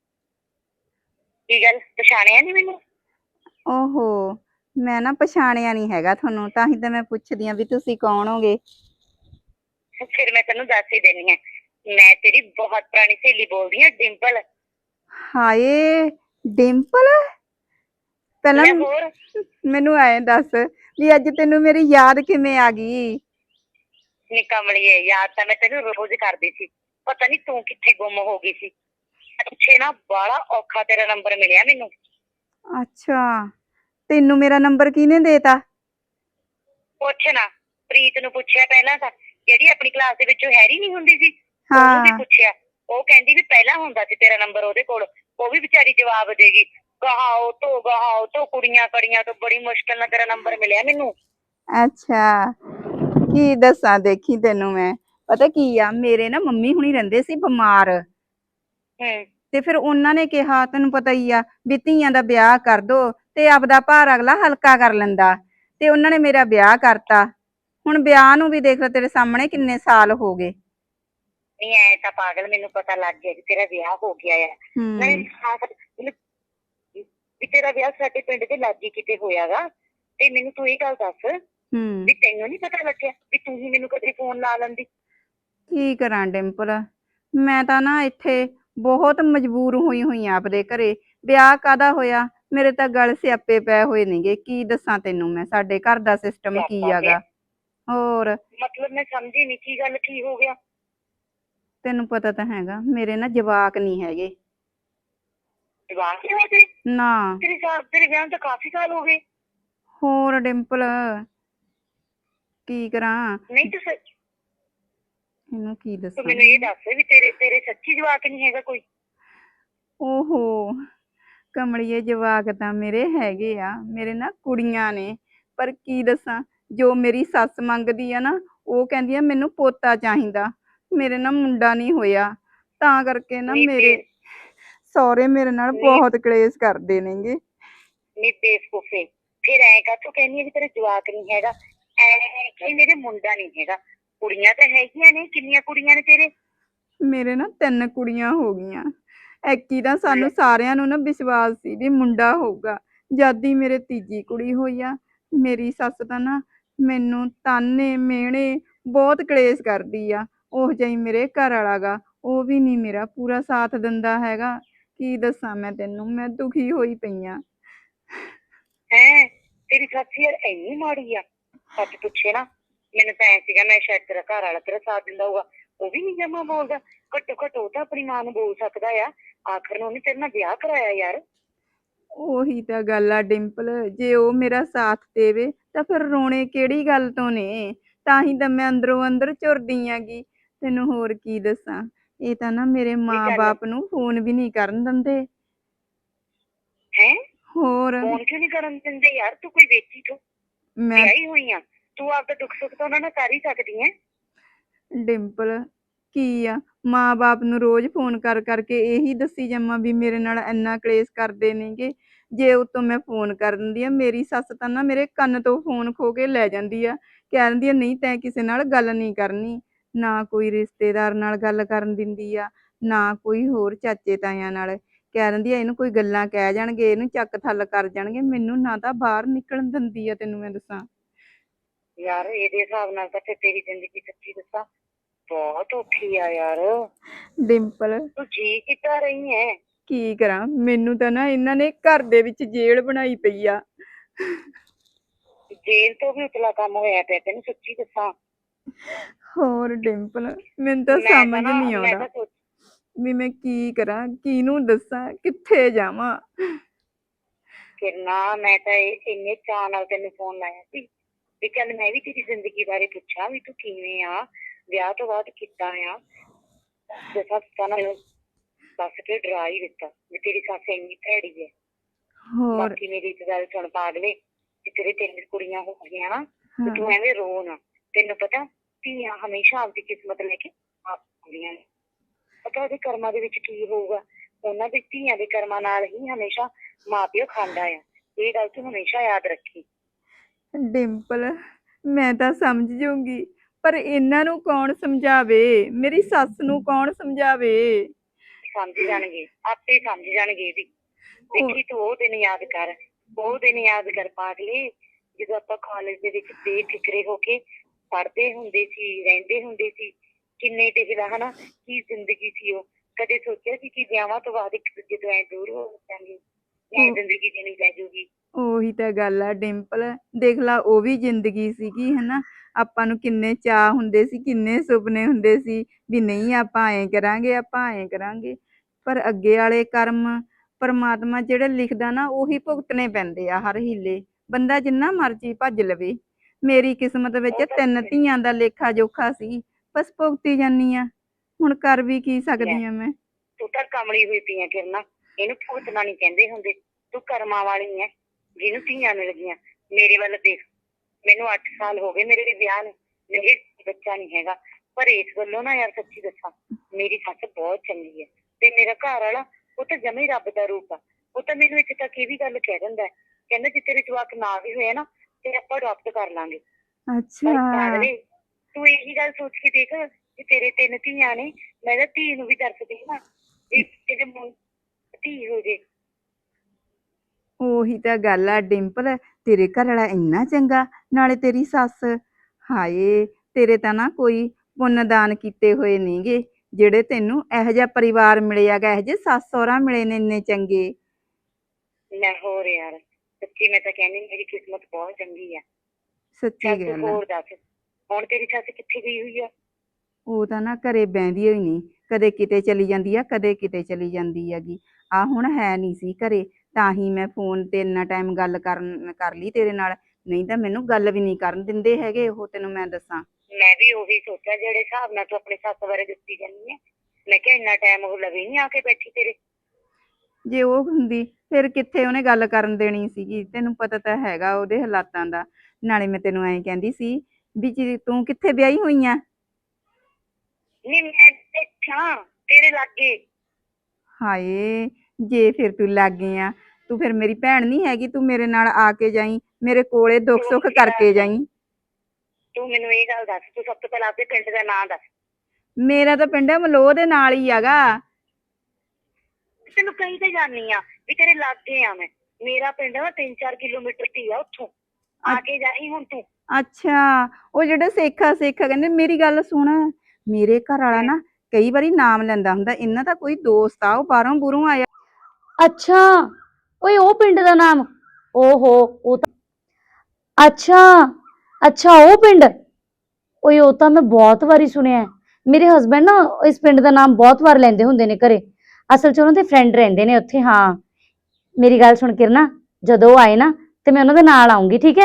Speaker 4: ਕੀ ਗੱਲ ਪਛਾਣਿਆ ਨੀ ਮੈਨੂੰ?
Speaker 1: ਓਹੋ, ਮੈਂ ਨਾ ਪਛਾਣਿਆ ਨੀ ਹੈਗਾ ਤੁਹਾਨੂੰ, ਤਾਂ ਹੀ ਤਾਂ ਮੈਂ ਪੁੱਛਦੀ ਆ ਵੀ ਤੁਸੀਂ ਕੌਣ ਹੋਗੇ।
Speaker 4: ਫਿਰ ਮੈਂ ਤੈਨੂੰ ਦੱਸ ਹੀ ਦੇਣੀ ਹੈ, ਮੈਂ ਤੇਰੀ ਬਹੁਤ ਪੁਰਾਣੀ ਸਹੇਲੀ ਬੋਲਦੀ ਹਾਂ, ਡਿੰਪਲ।
Speaker 1: ਹਾਏ ਡਿੰਪਲ, ਪਹਿਲਾਂ
Speaker 4: ਲੈ ਹੋਰ
Speaker 1: ਮੈਨੂੰ ਐਂ ਦੱਸ ਵੀ ਅੱਜ ਤੈਨੂੰ ਮੇਰੀ ਯਾਦ ਕਿਵੇਂ ਆ ਗਈ?
Speaker 4: ਨੀ ਕਮਲੀਏ, ਯਾਦ ਤਾਂ ਮੈਂ ਤੈਨੂੰ ਰੋਜ਼ ਕਰਦੀ ਸੀ, ਪਤਾ ਨੀ ਤੂੰ ਕਿੱਥੇ ਗੁੰਮ ਹੋ ਗਈ ਸੀ। ਪਿੱਛੇ ਨਾ ਬੜਾ ਔਖਾ ਤੇਰਾ ਨੰਬਰ ਮਿਲਿਆ ਮੈਨੂੰ।
Speaker 1: ਅੱਛਾ, ਤੈਨੂੰ ਮੇਰਾ ਨੰਬਰ ਕਿਹਨੇ ਦੇਤਾ?
Speaker 4: ਪੁੱਛ ਨਾ, ਪ੍ਰੀਤ ਨੂੰ ਪੁੱਛਿਆ ਪਹਿਲਾਂ ਤਾਂ, ਜਿਹੜੀ ਆਪਣੀ ਕਲਾਸ ਦੇ ਵਿੱਚੋਂ ਹੈਰੀ ਨਹੀਂ ਹੁੰਦੀ ਸੀ, ਉਹਨੂੰ ਵੀ
Speaker 1: ਹਾਂ
Speaker 4: ਪੁੱਛਿਆ। ਉਹ ਕਹਿੰਦੀ ਵੀ ਪਹਿਲਾਂ ਹੁੰਦਾ ਸੀ ਤੇਰਾ ਨੰਬਰ ਉਹਦੇ ਕੋਲ। ਉਹ ਵੀ ਵਿਚਾਰੀ ਜਵਾਬ ਦੇਗੀ, ਗਾਹਾਂ ਤੋਂ ਗਾਹਾਂ ਤੋਂ ਕੁੜੀਆਂ ਕੜੀਆਂ ਤੋਂ ਬੜੀ ਮੁਸ਼ਕਿਲ ਨਾਲ ਤੇਰਾ ਨੰਬਰ ਮਿਲਿਆ ਮੈਨੂੰ।
Speaker 1: ਅੱਛਾ, ਕੀ ਦੱਸਾਂ, ਦੇਖੀ ਤੈਨੂੰ ਮੈਂ, ਪਤਾ ਕੀ ਆ, ਮੇਰੇ ਨਾ ਮੰਮੀ ਹੁਣੀ ਰਹਿੰਦੇ ਸੀ ਬਿਮਾਰ,
Speaker 4: ਹੂੰ
Speaker 1: ਤੇ ਫਿਰ ਉਹਨਾਂ ਨੇ ਕਿਹਾ, ਤੈਨੂੰ ਪਤਾ ਹੀ ਆ ਵੀ ਧੀਆਂ ਦਾ ਵਿਆਹ ਕਰ ਦੋ ਤੇ ਆਪਦਾ ਭਾਰ ਅਗਲਾ ਹਲਕਾ ਕਰ ਲੈਂਦਾ, ਤੇ ਉਹਨਾਂ ਨੇ ਮੇਰਾ ਵਿਆਹ ਕਰਤਾ। ਹੁਣ ਵਿਆਹ ਨੂੰ ਵੀ ਦੇਖ ਲੈ, ਤੇਰੇ ਸਾਹਮਣੇ ਕਿੰਨੇ ਸਾਲ ਹੋ ਗਏ।
Speaker 4: ਨਹੀਂ ਐ ਤਾਂ ਪਾਗਲ, ਮੈਨੂੰ ਪਤਾ ਲੱਗ ਗਿਆ ਕਿ ਤੇਰਾ ਵਿਆਹ ਹੋ ਗਿਆ ਆ। ਮੈਂ
Speaker 1: ਹੂੰ
Speaker 4: ਵੀ ਤੇਰਾ ਵਿਆਹ ਸਾਡੇ ਪਿੰਡ ਦੇ ਲਾਗੇ ਕਿਤੇ ਹੋਇਆਗਾ, ਤੇ ਮੈਨੂੰ ਤੂੰ ਇਹ ਗੱਲ ਦੱਸ
Speaker 1: ਹੂੰ
Speaker 4: ਵੀ ਤੈਨੂੰ ਨੀ ਪਤਾ ਲੱਗਿਆ ਵੀ ਤੂੰ ਹੀ ਮੈਨੂੰ ਕਦੇ ਫੋਨ ਲਾ ਲੈਂਦੀ?
Speaker 1: ਕੀ ਕਰਾਂ ਡਿੰਪਲ, ਮੈਂ ਤਾਂ ਨਾ ਇੱਥੇ ਬਹੁਤ ਮਜਬੂਰ ਹੋਈ ਹੋਈ ਆ ਆਪਦੇ ਘਰੇ। ਵਿਆਹ ਕਾਹਦਾ ਹੋਇਆ, ਮੇਰੇ ਤਾਂ ਗਲ ਸਿਆਪੇ ਪਏ ਹੋਏ ਨੇਗੇ। ਕੀ ਦੱਸਾਂ ਤੈਨੂੰ ਮੈਂ, ਸਾਡੇ ਘਰ ਦਾ ਸਿਸਟਮ ਕੀ
Speaker 4: ਸਿਆਪਾ ਪਿਆ
Speaker 1: ਹੈਗਾ। ਹੋਰ
Speaker 4: ਮਤਲਬ ਮੈਂ ਸਮਝੀ ਨੀ, ਕੀ ਗੱਲ ਕੀ ਹੋ ਗਿਆ?
Speaker 1: ਤੈਨੂੰ ਪਤਾ ਤਾਂ ਹੈਗਾ, ਮੇਰੇ ਨਾ ਜਵਾਕ ਨਹੀਂ ਹੈਗੇ।
Speaker 4: ਜਵਾਕ ਨਹੀਂ ਹੋਏ?
Speaker 1: ਨਾ।
Speaker 4: ਤੇਰੇ ਸਾਲ ਤੇਰੇ ਵਿਆਹ ਨੂੰ ਤਾਂ ਕਾਫੀ ਸਾਲ ਹੋ ਗਏ।
Speaker 1: ਹੋਰ ਡਿੰਪਲ, ਕੀ ਕਰਾਂ,
Speaker 4: ਨਹੀਂ ਤੂੰ ਸ-
Speaker 1: ਇਹਨੂੰ ਕੀ
Speaker 4: ਤੂੰ
Speaker 1: ਦੱਸਾਂ।
Speaker 4: ਮੈਨੂੰ ਇਹ ਦੱਸ ਵੀ ਤੇਰੇ ਤੇਰੇ ਸੱਚੀ ਜਵਾਕ ਨਹੀਂ ਹੈਗਾ ਕੋਈ?
Speaker 1: ਓਹੋ ਕਮਲੀਏ, ਜਵਾਕ ਤਾਂ ਮੇਰੇ ਹੈਗੇ ਆ, ਮੇਰੇ ਨਾ ਕੁੜੀਆਂ ਨੇ, ਪਰ ਕੀ ਦੱਸਾਂ, ਜੋ ਮੇਰੀ ਸੱਸ ਮੰਗਦੀ ਆ ਨਾ, ਉਹ ਕਹਿੰਦੀ ਆ ਮੈਨੂੰ ਪੋਤਾ ਚਾਹੀਦਾ, ਮੇਰੇ ਨਾ ਮੁੰਡਾ ਨਹੀਂ ਹੋਇਆ, ਤਾਂ ਕਰਕੇ ਨਾ
Speaker 4: ਨੀ
Speaker 1: ਮੇਰੇ
Speaker 4: ਬੇ
Speaker 1: ਸਹੁਰੇ ਮੇਰੇ ਨਾਲ
Speaker 4: ਨੀ
Speaker 1: ਬਹੁਤ ਕਲੇਸ਼ ਕਰਦੇ ਨੇਗੇ।
Speaker 4: ਨੀ ਬੇਵਕੂਫੇ, ਫਿਰ ਐਂ ਕਾਹਤੋਂ ਕਹਿੰਦੀ ਆ ਵੀ ਤੇਰਾ ਜਵਾਕ ਨਹੀਂ ਹੈਗਾ? ਐ ਕਿ ਮੇਰੇ ਮੁੰਡਾ ਨਹੀਂ ਹੈਗਾ, ਕੁੜੀਆਂ ਤਾਂ ਹੈਗੀਆਂ ਨੇ। ਕਿੰਨੀਆਂ ਕੁੜੀਆਂ ਨੇ ਤੇਰੇ?
Speaker 1: ਮੇਰੇ ਨਾ ਤਿੰਨ ਕੁੜੀਆਂ ਹੋ ਗਈਆਂ। ਐਕੀ ਤਾਂ ਸਾਨੂੰ ਸਾਰਿਆਂ ਨੂੰ ਨਾ ਵਿਸ਼ਵਾਸ ਸੀ ਵੀ ਮੁੰਡਾ ਹੋਊਗਾ, ਜਦ ਹੀ ਮੇਰੇ ਤੀਜੀ ਕੁੜੀ ਹੋਈ ਆ। ਮੇਰੀ ਸੱਸ ਤਾਂ ਨਾ ਮੈਨੂੰ ਤਾਨੇ ਮਿਹਣੇ ਬਹੁਤ ਕਲੇਸ਼ ਕਰਦੀ ਆ। ਉਹ ਜਿਹੀ ਮੇਰੇ ਘਰ ਵਾਲਾ ਗਾ, ਉਹ ਵੀ ਨੀ ਮੇਰਾ ਪੂਰਾ ਸਾਥ ਦਿੰਦਾ ਹੈਗਾ। ਕੀ ਦੱਸਾਂ ਮੈਂ ਤੈਨੂੰ, ਮੈਂ ਦੁਖੀ ਹੋਈ ਪਈ ਆ।
Speaker 4: ਹੈਂ, ਤੇਰੀ ਸੱਸ ਯਾਰ ਇੰਨੀ ਮਾੜੀ ਆ? ਸੱਚ ਪੁੱਛੇ ਨਾ, ਮੈਨੂੰ ਤਾਂ ਐ ਸੀਗਾ ਮੈਂ ਸ਼ਾਇਦ ਤੇਰਾ ਘਰ ਵਾਲਾ ਤੇਰਾ ਸਾਥ ਦਿੰਦਾ ਹੋਊਗਾ। ਉਹ ਵੀ ਨੀ ਜਮਾ ਬੋਲਦਾ? ਘੱਟੋ ਘੱਟ ਉਹ ਤਾਂ ਆਪਣੀ ਮਾਂ ਨੂੰ ਬੋਲ ਸਕਦਾ ਆ, ਆਖਰ ਨੂੰ ਉਹਨੇ ਤੇਰੇ ਨਾਲ ਵਿਆਹ ਕਰਾਇਆ ਯਾਰ।
Speaker 1: ਉਹੀ ਤਾਂ ਗੱਲ ਆ ਡਿੰਪਲ, ਜੇ ਉਹ ਮੇਰਾ ਸਾਥ ਦੇਵੇ ਤਾਂ ਫਿਰ ਰੋਣੇ ਕਿਹੜੀ ਗੱਲ ਤੋਂ ਨੇ। ਤਾਂ ਹੀ ਤਾਂ ਮੈਂ ਅੰਦਰੋਂ ਅੰਦਰ ਝੁਰਦੀ ਆਂਗੀ। ਤੈਨੂੰ ਹੋਰ ਕੀ ਦੱਸਾਂ, ਇਹ ਤਾਂ ਨਾ ਮੇਰੇ
Speaker 4: ਇਹ
Speaker 1: ਮਾਂ
Speaker 4: ਗੱਲ
Speaker 1: ਬਾਪ ਨੂੰ ਫੋਨ ਵੀ ਨਹੀਂ ਕਰਨ ਦਿੰਦੇ।
Speaker 4: ਹੈਂ,
Speaker 1: ਹੋਰ
Speaker 4: ਫੋਨ ਕਿਉਂ ਨੀ ਕਰਨ ਦਿੰਦੇ ਯਾਰ? ਤੂੰ ਕੋਈ ਵੇਚੀ ਤੂੰ
Speaker 1: ਮੈਂ
Speaker 4: ਵਿਆਹੀ ਹੋਈ ਆ, ਤੂੰ ਆਪਦਾ ਦੁੱਖ ਸੁੱਖ ਤਾਂ ਉਹਨਾਂ ਨਾਲ ਕਰ ਹੀ ਸਕਦੀ ਹੈ।
Speaker 1: ਡਿੰਪਲ, ਕੀ ਆ, ਮਾਂ ਬਾਪ ਨੂੰ ਰੋਜ਼ ਫੋਨ ਕਰ ਕਰਕੇ ਇਹੀ ਦੱਸੀ ਜਾਵਾਂ ਵੀ ਮੇਰੇ ਨਾਲ ਇੰਨਾ ਕਲੇਸ਼ ਕਰਦੇ ਨੇਗੇ। ਜੇ ਉਤੋਂ ਮੈਂ ਫੋਨ ਕਰ ਦਿੰਦੀ ਆ, ਮੇਰੀ ਸੱਸ ਤਾਂ ਨਾ ਮੇਰੇ ਕੰਨ ਤੋਂ ਫੋਨ ਖੋ ਕੇ ਲੈ ਜਾਂਦੀ ਆ। ਕਹਿ ਦਿੰਦੀ ਆ ਨਹੀਂ ਤੈਂ ਕਿਸੇ ਨਾਲ ਗੱਲ ਨਹੀਂ ਕਰਨੀ। ਨਾ ਕੋਈ ਰਿਸ਼ਤੇਦਾਰ ਨਾਲ ਗੱਲ ਕਰਨ ਦਿੰਦੀ ਆ, ਨਾ ਕੋਈ ਹੋਰ ਚਾਚੇ ਤਾਇਆਂ ਨਾਲ। ਕਹਿ ਦਿੰਦੀ ਆ ਇਹਨੂੰ ਕੋਈ ਗੱਲਾਂ ਕਹਿ ਜਾਣਗੇ, ਇਹਨੂੰ ਚੱਕ ਥੱਲ ਕਰ ਜਾਣਗੇ। ਮੈਨੂੰ ਨਾ ਤਾਂ ਬਾਹਰ ਨਿਕਲਣ ਦਿੰਦੀ ਆ, ਤੈਨੂੰ ਮੈਂ ਦੱਸਾਂ।
Speaker 4: ਯਾਰ ਇਹਦੇ ਹਿਸਾਬ ਨਾਲ ਤਾਂ ਫਿਰ ਤੇਰੀ ਜ਼ਿੰਦਗੀ, ਸੱਚੀ ਦੱਸਾਂ, ਬਹੁਤ ਔਖੀ ਆ ਯਾਰ।
Speaker 1: ਡਿੰਪਲ
Speaker 4: ਤੂੰ ਜੀ ਕਿੱਦਾਂ ਰਹੀ ਹੈ?
Speaker 1: ਕੀ ਕਰਾਂ, ਮੈਨੂੰ ਤਾਂ ਨਾ ਇਹਨਾਂ ਨੇ ਘਰ ਦੇ ਵਿੱਚ ਜੇਲ੍ਹ ਬਣਾਈ ਪਈ ਆ।
Speaker 4: ਜੇਲ੍ਹ ਤੋਂ ਵੀ ਉਤਲਾ ਕੰਮ ਹੋਇਆ ਪਿਆ ਤੈਨੂੰ, ਸੱਚੀ ਦੱਸਾਂ।
Speaker 1: ਹੋਰ ਡਿੰਪਲ, ਮੈਨੂੰ ਤਾਂ
Speaker 4: ਮੈਂ ਤਾਂ
Speaker 1: ਸਮਝ
Speaker 4: ਨਾ
Speaker 1: ਨਹੀਂ
Speaker 4: ਮੈਂ
Speaker 1: ਆਉਂਦਾ
Speaker 4: ਤਾਂ ਸੋਚ
Speaker 1: ਵੀ ਮੈਂ ਕੀ ਕਰਾਂ, ਕਿਹਨੂੰ ਦੱਸਾਂ, ਕਿੱਥੇ ਜਾਵਾਂ।
Speaker 4: ਕਿਰਨਾ, ਮੈਂ ਤਾਂ ਇਹ ਇੰਨੇ ਚਾਅ ਨਾਲ ਤੈਨੂੰ ਫੋਨ ਲਾਇਆ ਸੀ ਵੀ ਚੱਲ ਮੈਂ ਵੀ ਤੇਰੀ ਜ਼ਿੰਦਗੀ ਬਾਰੇ ਪੁੱਛਾਂ ਵੀ ਤੂੰ ਕਿਵੇਂ ਆ, ਵਿਆਹ ਤੋਂ ਬਾਅਦ ਕਿੱਦਾਂ ਆ। ਜਸਾ ਤਾਂ ਮੈਨੂੰ ਦੱਸ ਕੇ ਡਰਾ ਹੀ ਦਿੱਤਾ ਵੀ ਤੇਰੀ ਸੱਸ ਇੰਨੀ ਭੈੜੀ ਹੈ।
Speaker 1: ਹੋਰ
Speaker 4: ਬਾਕੀ ਮੇਰੀ ਇੱਕ ਗੱਲ ਸੁਣ ਪਾਗਲੇ, ਕਿ ਤੇਰੇ ਤਿੰਨ ਕੁੜੀਆਂ ਹੋ ਗਈਆਂ ਨਾ, ਤੇ
Speaker 1: ਹਾਂ,
Speaker 4: ਤੂੰ ਐਵੇਂ ਰੋ ਨਾ। ਤੈਨੂੰ ਪਤਾ ਧੀਆਂ ਹਮੇਸ਼ਾ ਆਪਦੀ ਕਿਸਮਤ ਲੈ ਕੇ ਆਪ ਆਉਂਦੀਆਂ ਨੇ। ਪਤਾ ਉਹਦੇ ਕਰਮਾਂ ਦੇ ਵਿੱਚ ਕੀ ਹੋਊਗਾ, ਉਹਨਾਂ ਦੇ ਧੀਆਂ ਦੇ ਕਰਮਾਂ ਨਾਲ ਹੀ ਹਮੇਸ਼ਾ ਮਾਂ ਪਿਓ ਖਾਂਦਾ ਆ। ਇਹ ਗੱਲ ਤੂੰ ਹਮੇਸ਼ਾ ਯਾਦ ਰੱਖੀ।
Speaker 1: ਡਿੰਪਲ ਮੈਂ ਤਾਂ ਸਮਝ ਜਾਊਂਗੀ, ਪਰ ਇਹਨਾਂ ਨੂੰ ਕੌਣ ਸਮਝਾਵੇ, ਮੇਰੀ ਸੱਸ ਨੂੰ ਕੌਣ ਸਮਝਾਵੇ।
Speaker 4: ਸਮਝ ਜਾਣਗੇ, ਆਪੇ ਸਮਝ ਜਾਣਗੇ ਵੀ। ਦੇਖੀ ਤੂੰ ਉਹ ਦਿਨ ਯਾਦ ਕਰ, ਉਹ ਦਿਨ ਯਾਦ ਕਰ ਪਾਗਲੇ, ਜਦੋਂ ਆਪਾਂ ਕਾਲਜ ਦੇ ਵਿੱਚ ਬੇਫਿਕਰੇ ਹੋ ਕੇ ਪੜ੍ਹਦੇ ਹੁੰਦੇ ਸੀ, ਰਹਿੰਦੇ ਹੁੰਦੇ ਸੀ। ਕਿੰਨੇ ਦਿਖਦਾ ਹਨਾ ਕੀ ਜ਼ਿੰਦਗੀ ਸੀ ਉਹ। ਕਦੇ ਸੋਚਿਆ ਸੀ ਕਿ ਵਿਆਹਾਂ ਤੋਂ ਬਾਅਦ ਇੱਕ ਦੂਜੇ ਤੋਂ ਐ ਦੂਰ ਹੋ ਜਾਵਾਂਗੇ, ਐ ਜ਼ਿੰਦਗੀ ਜਿਣੀ ਲੈ ਜਾਊਗੀ।
Speaker 1: ਉਹੀ ਤਾਂ ਗੱਲ ਆ ਡਿੰਪਲ, ਦੇਖ ਲਾ ਉਹ ਵੀ ਜ਼ਿੰਦਗੀ ਸੀਗੀ ਹਨਾ। ਆਪਾਂ ਨੂੰ ਕਿੰਨੇ ਚਾਅ ਹੁੰਦੇ ਸੀ, ਕਿੰਨੇ ਸੁਪਨੇ ਹੁੰਦੇ ਸੀ ਵੀ ਨਹੀਂ ਆਪਾਂ ਐਂ ਕਰਾਂਗੇ, ਆਪਾਂ ਐਂ ਕਰਾਂਗੇ। ਪਰ ਅੱਗੇ ਵਾਲੇ ਕਰਮ ਪਰਮਾਤਮਾ ਜਿਹੜੇ ਲਿਖਦਾ ਨਾ ਉਹੀ ਭੁਗਤਣੇ ਪੈਂਦੇ ਆ ਹਰ ਹੀਲੇ। ਬੰਦਾ ਜਿੰਨਾ ਮਰਜ਼ੀ ਭੱਜ ਲਵੇ। ਮੇਰੀ ਕਿਸਮਤ ਵਿੱਚ ਤਿੰਨ ਧੀਆਂ ਦਾ ਲੇਖਾ ਜੋਖਾ ਸੀ, ਬਸ ਭੁਗਤੀ ਜਾਨੀ ਆ। ਹੁਣ ਕਰ ਵੀ ਕੀ ਸਕਦੀ ਆ ਮੈਂ।
Speaker 4: ਤੂੰ ਤਾਂ ਕਮਲੀ ਹੋਈ ਪਈ ਆ ਕਿਰਨਾ, ਇਹਨੂੰ ਭੁਗਤਣਾ ਨਹੀਂ ਕਹਿੰਦੇ ਹੁੰਦੇ। ਤੂੰ ਕਰਮਾਂ ਵਾਲੀ ਐ ਜਿਹਨੂੰ ਧੀਆਂ ਮਿਲ ਗਈਆਂ। ਮੇਰੇ ਵੱਲ ਦੇਖ, ਮੈਨੂੰ ਅੱਠ ਸਾਲ ਹੋ ਗਏ ਮੇਰੇ ਵਿਆਹ ਨੂੰ, ਮੇਰੇ ਬੱਚਾ ਨਹੀਂ ਹੈਗਾ। ਪਰ ਇਸ ਗੱਲੋਂ ਨਾ ਯਾਰ ਸੱਚੀ ਦੱਸਾਂ, ਮੇਰੀ ਸੱਸ ਬਹੁਤ ਚੰਗੀ ਹੈ ਤੇ ਮੇਰਾ ਘਰ ਵਾਲਾ ਉਹ ਤਾਂ ਜਮੇ ਰੱਬ ਦਾ ਰੂਪ ਆ। ਉਹ ਤਾਂ ਮੈਨੂੰ ਇੱਥੇ ਤੱਕ ਇਹ ਵੀ ਗੱਲ ਕਹਿ ਦਿੰਦਾ, ਕਹਿੰਦਾ ਜੇ ਤੇਰੇ ਜਵਾਕ ਨਾ ਵੀ ਹੋਇਆ ਨਾ ਤੇ ਆਪਾਂ ਅਡਾਪਟ ਕਰ ਲਾਂਗੇ।
Speaker 1: ਅੱਛਾ,
Speaker 4: ਪਾਗਲੇ, ਤੂੰ ਇਹੀ ਗੱਲ ਸੋਚ ਕੇ ਦੇਖ ਕਿ ਤੇਰੇ ਤਿੰਨ ਧੀਆਂ ਨੇ, ਮੈਂ ਤਾਂ ਧੀ ਨੂੰ ਵੀ ਤਰਸਦੀ ਨਾ ਜੇ ਤੇਰੇ ਮੁੰ ਧੀ ਹੋ ਜੇ।
Speaker 1: ਉਹੀ ਤਾਂ ਗੱਲ ਆ ਡਿੰਪਲ, ਤੇਰੇ ਘਰ ਵਾਲਾ ਇੰਨਾ ਚੰਗਾ, ਨਾਲੇ ਤੇਰੀ ਸੱਸ। ਹਾਏ ਤੇਰੇ ਤਾਂ ਨਾ ਕੋਈ ਪੁੰਨਦਾਨ ਕੀਤੇ ਹੋਏ ਨਹੀਂਗੇ ਜਿਹੜੇ ਤੈਨੂੰ ਇਹੋ ਜਿਹਾ ਪਰਿਵਾਰ ਮਿਲਿਆ ਗਾ, ਇਹੋ ਜਿਹੇ ਸੱਸ ਸਹੁਰਾ ਮਿਲੇ ਨੇ ਇੰਨੇ ਚੰਗੇ।
Speaker 4: ਲੈ ਹੋਰ ਯਾਰ, ਸੱਚੀ ਮੈਂ ਤਾਂ ਕਹਿੰਦੀ ਮੇਰੀ ਕਿਸਮਤ ਬਹੁਤ ਚੰਗੀ ਆ।
Speaker 1: ਸੱਚੀ
Speaker 4: ਚੱਲ ਤੂੰ
Speaker 1: ਗੱਲ ਆ।
Speaker 4: ਹੋਰ ਦੱਸ, ਹੁਣ ਤੇਰੀ ਸੱਸ ਕਿੱਥੇ ਗਈ ਹੋਈ ਆ?
Speaker 1: ਉਹ ਤਾਂ ਨਾ ਘਰੇ ਬਹਿੰਦੀ ਹੋਈ ਨਹੀਂ, ਕਦੇ ਕਿਤੇ ਚਲੀ ਜਾਂਦੀ ਆ, ਕਦੇ ਕਿਤੇ ਚਲੀ ਜਾਂਦੀ ਹੈਗੀ। ਆ ਹੁਣ ਹੈ ਨਹੀਂ ਸੀ ਘਰੇ, ਤਾਂ ਹੀ ਮੈਂ ਫੋਨ ਤੇ ਇੰਨਾ ਟਾਈਮ ਗੱਲ ਕਰਨ ਕਰ ਲਈ ਤੇਰੇ ਨਾਲ, ਨਹੀਂ ਤਾਂ ਮੈਨੂੰ ਗੱਲ ਵੀ ਨਹੀਂ ਕਰਨ ਦਿੰਦੇ ਹੈਗੇ ਉਹ, ਤੈਨੂੰ ਮੈਂ ਦੱਸਾਂ।
Speaker 4: ਮੈਂ ਵੀ ਉਹੀ ਸੋਚਿਆ ਜਿਹੜੇ ਹਿਸਾਬ ਨਾਲ ਤੂੰ ਆਪਣੀ ਸੱਸ ਬਾਰੇ ਦੱਸੀ ਜਾਂਦੀ ਹੈ। ਮੈਂ ਕਿਹਾ ਇੰਨਾ ਟਾਈਮ ਉਹ ਲਵੇ ਨਹੀਂ ਆ ਕੇ ਬੈਠੀ ਤੇਰੇ।
Speaker 1: ਜੇ ਉਹ ਹੁੰਦੀ ਫਿਰ ਕਿੱਥੇ ਉਹਨੇ ਗੱਲ ਕਰਨ ਦੇਣੀ ਸੀਗੀ, ਤੈਨੂੰ ਪਤਾ ਤਾਂ ਹੈਗਾ ਉਹਦੇ ਹਾਲਾਤਾਂ ਦਾ। ਨਾਲੇ ਮੈਂ ਤੈਨੂੰ ਐਂ ਕਹਿੰਦੀ ਸੀ ਵੀ ਜੀ ਤੂੰ ਕਿੱਥੇ ਵਿਆਹੀ ਹੋਈ ਆ?
Speaker 4: ਨਹੀਂ ਮੈਂ ਦੇਖਾਂ ਤੇਰੇ ਲਾਗੇ।
Speaker 1: ਹਾਏ ਜੇ ਫਿਰ ਤੂੰ ਲੱਗ ਗਈ ਆ, ਤੂੰ ਫਿਰ ਮੇਰੀ ਭੈਣ ਨਹੀਂ ਹੈਗੀ? ਤੂੰ ਮੇਰੇ ਨਾਲ ਆ ਕੇ ਜਾਈਂ, ਮੇਰੇ ਕੋਲੇ ਦੁੱਖ ਸੁੱਖ ਕਰਕੇ ਜਾਈਂ।
Speaker 4: ਤੂੰ ਮੈਨੂੰ ਇਹ ਗੱਲ ਦੱਸ, ਤੂੰ ਸਭ ਤੋਂ ਪਹਿਲਾਂ ਆਪਣੇ ਪਿੰਡ ਦਾ ਨਾਂ ਦੱਸ।
Speaker 1: ਮੇਰਾ ਤਾਂ ਪਿੰਡ ਮਲੋਹ ਦੇ ਨਾਲ ਹੀ ਹੈਗਾ।
Speaker 4: ਤੈਨੂੰ ਕਹੀ ਤੇ ਜਾਨੀ ਆ ਵੀ ਤੇਰੇ ਲਾਗੇ ਆ ਮੈਂ। ਮੇਰਾ ਪਿੰਡ ਨਾ ਤਿੰਨ ਚਾਰ ਕਿਲੋਮੀਟਰ ਦੀ ਆ, ਉੱਥੋਂ ਆ ਕੇ ਜਾਈ ਹੁਣ ਤੂੰ।
Speaker 1: ਅੱਛਾ, ਉਹ ਜਿਹੜਾ ਸੇਖਾ ਸੇਖਾ ਕਹਿੰਦੇ, ਮੇਰੀ ਗੱਲ ਸੁਣ, ਮੇਰੇ ਘਰ ਵਾਲਾ ਨਾ ਕਈ ਵਾਰੀ ਨਾਮ ਲੈਂਦਾ ਹੁੰਦਾ, ਇਹਨਾਂ ਦਾ ਕੋਈ ਦੋਸਤ ਆ ਉਹ ਬਾਹਰੋਂ ਬੁਰੋਂ ਆਇਆ।
Speaker 2: ਅੱਛਾ, ਓਏ ਉਹ ਪਿੰਡ ਦਾ ਨਾਮ, ਓਹੋ ਉਹ ਤਾਂ ਅੱਛਾ ਅੱਛਾ ਉਹ ਪਿੰਡ, ਓਏ ਉਹ ਤਾਂ ਮੈਂ ਬਹੁਤ ਵਾਰੀ ਸੁਣਿਆ। ਮੇਰੇ ਹਸਬੈਂਡ ਨਾ ਇਸ ਪਿੰਡ ਦਾ ਨਾਮ ਬਹੁਤ ਵਾਰ ਲੈਂਦੇ ਹੁੰਦੇ ਨੇ ਘਰੇ। ਅਸਲ 'ਚ ਉਹਨਾਂ ਦੇ ਫਰੈਂਡ ਰਹਿੰਦੇ ਨੇ ਉੱਥੇ। ਹਾਂ ਮੇਰੀ ਗੱਲ ਸੁਣ ਕਿਰਨਾ, ਜਦੋਂ ਉਹ ਆਏ ਨਾ ਤੇ ਮੈਂ ਉਹਨਾਂ ਦੇ ਨਾਲ ਆਉਂਗੀ, ਠੀਕ ਹੈ?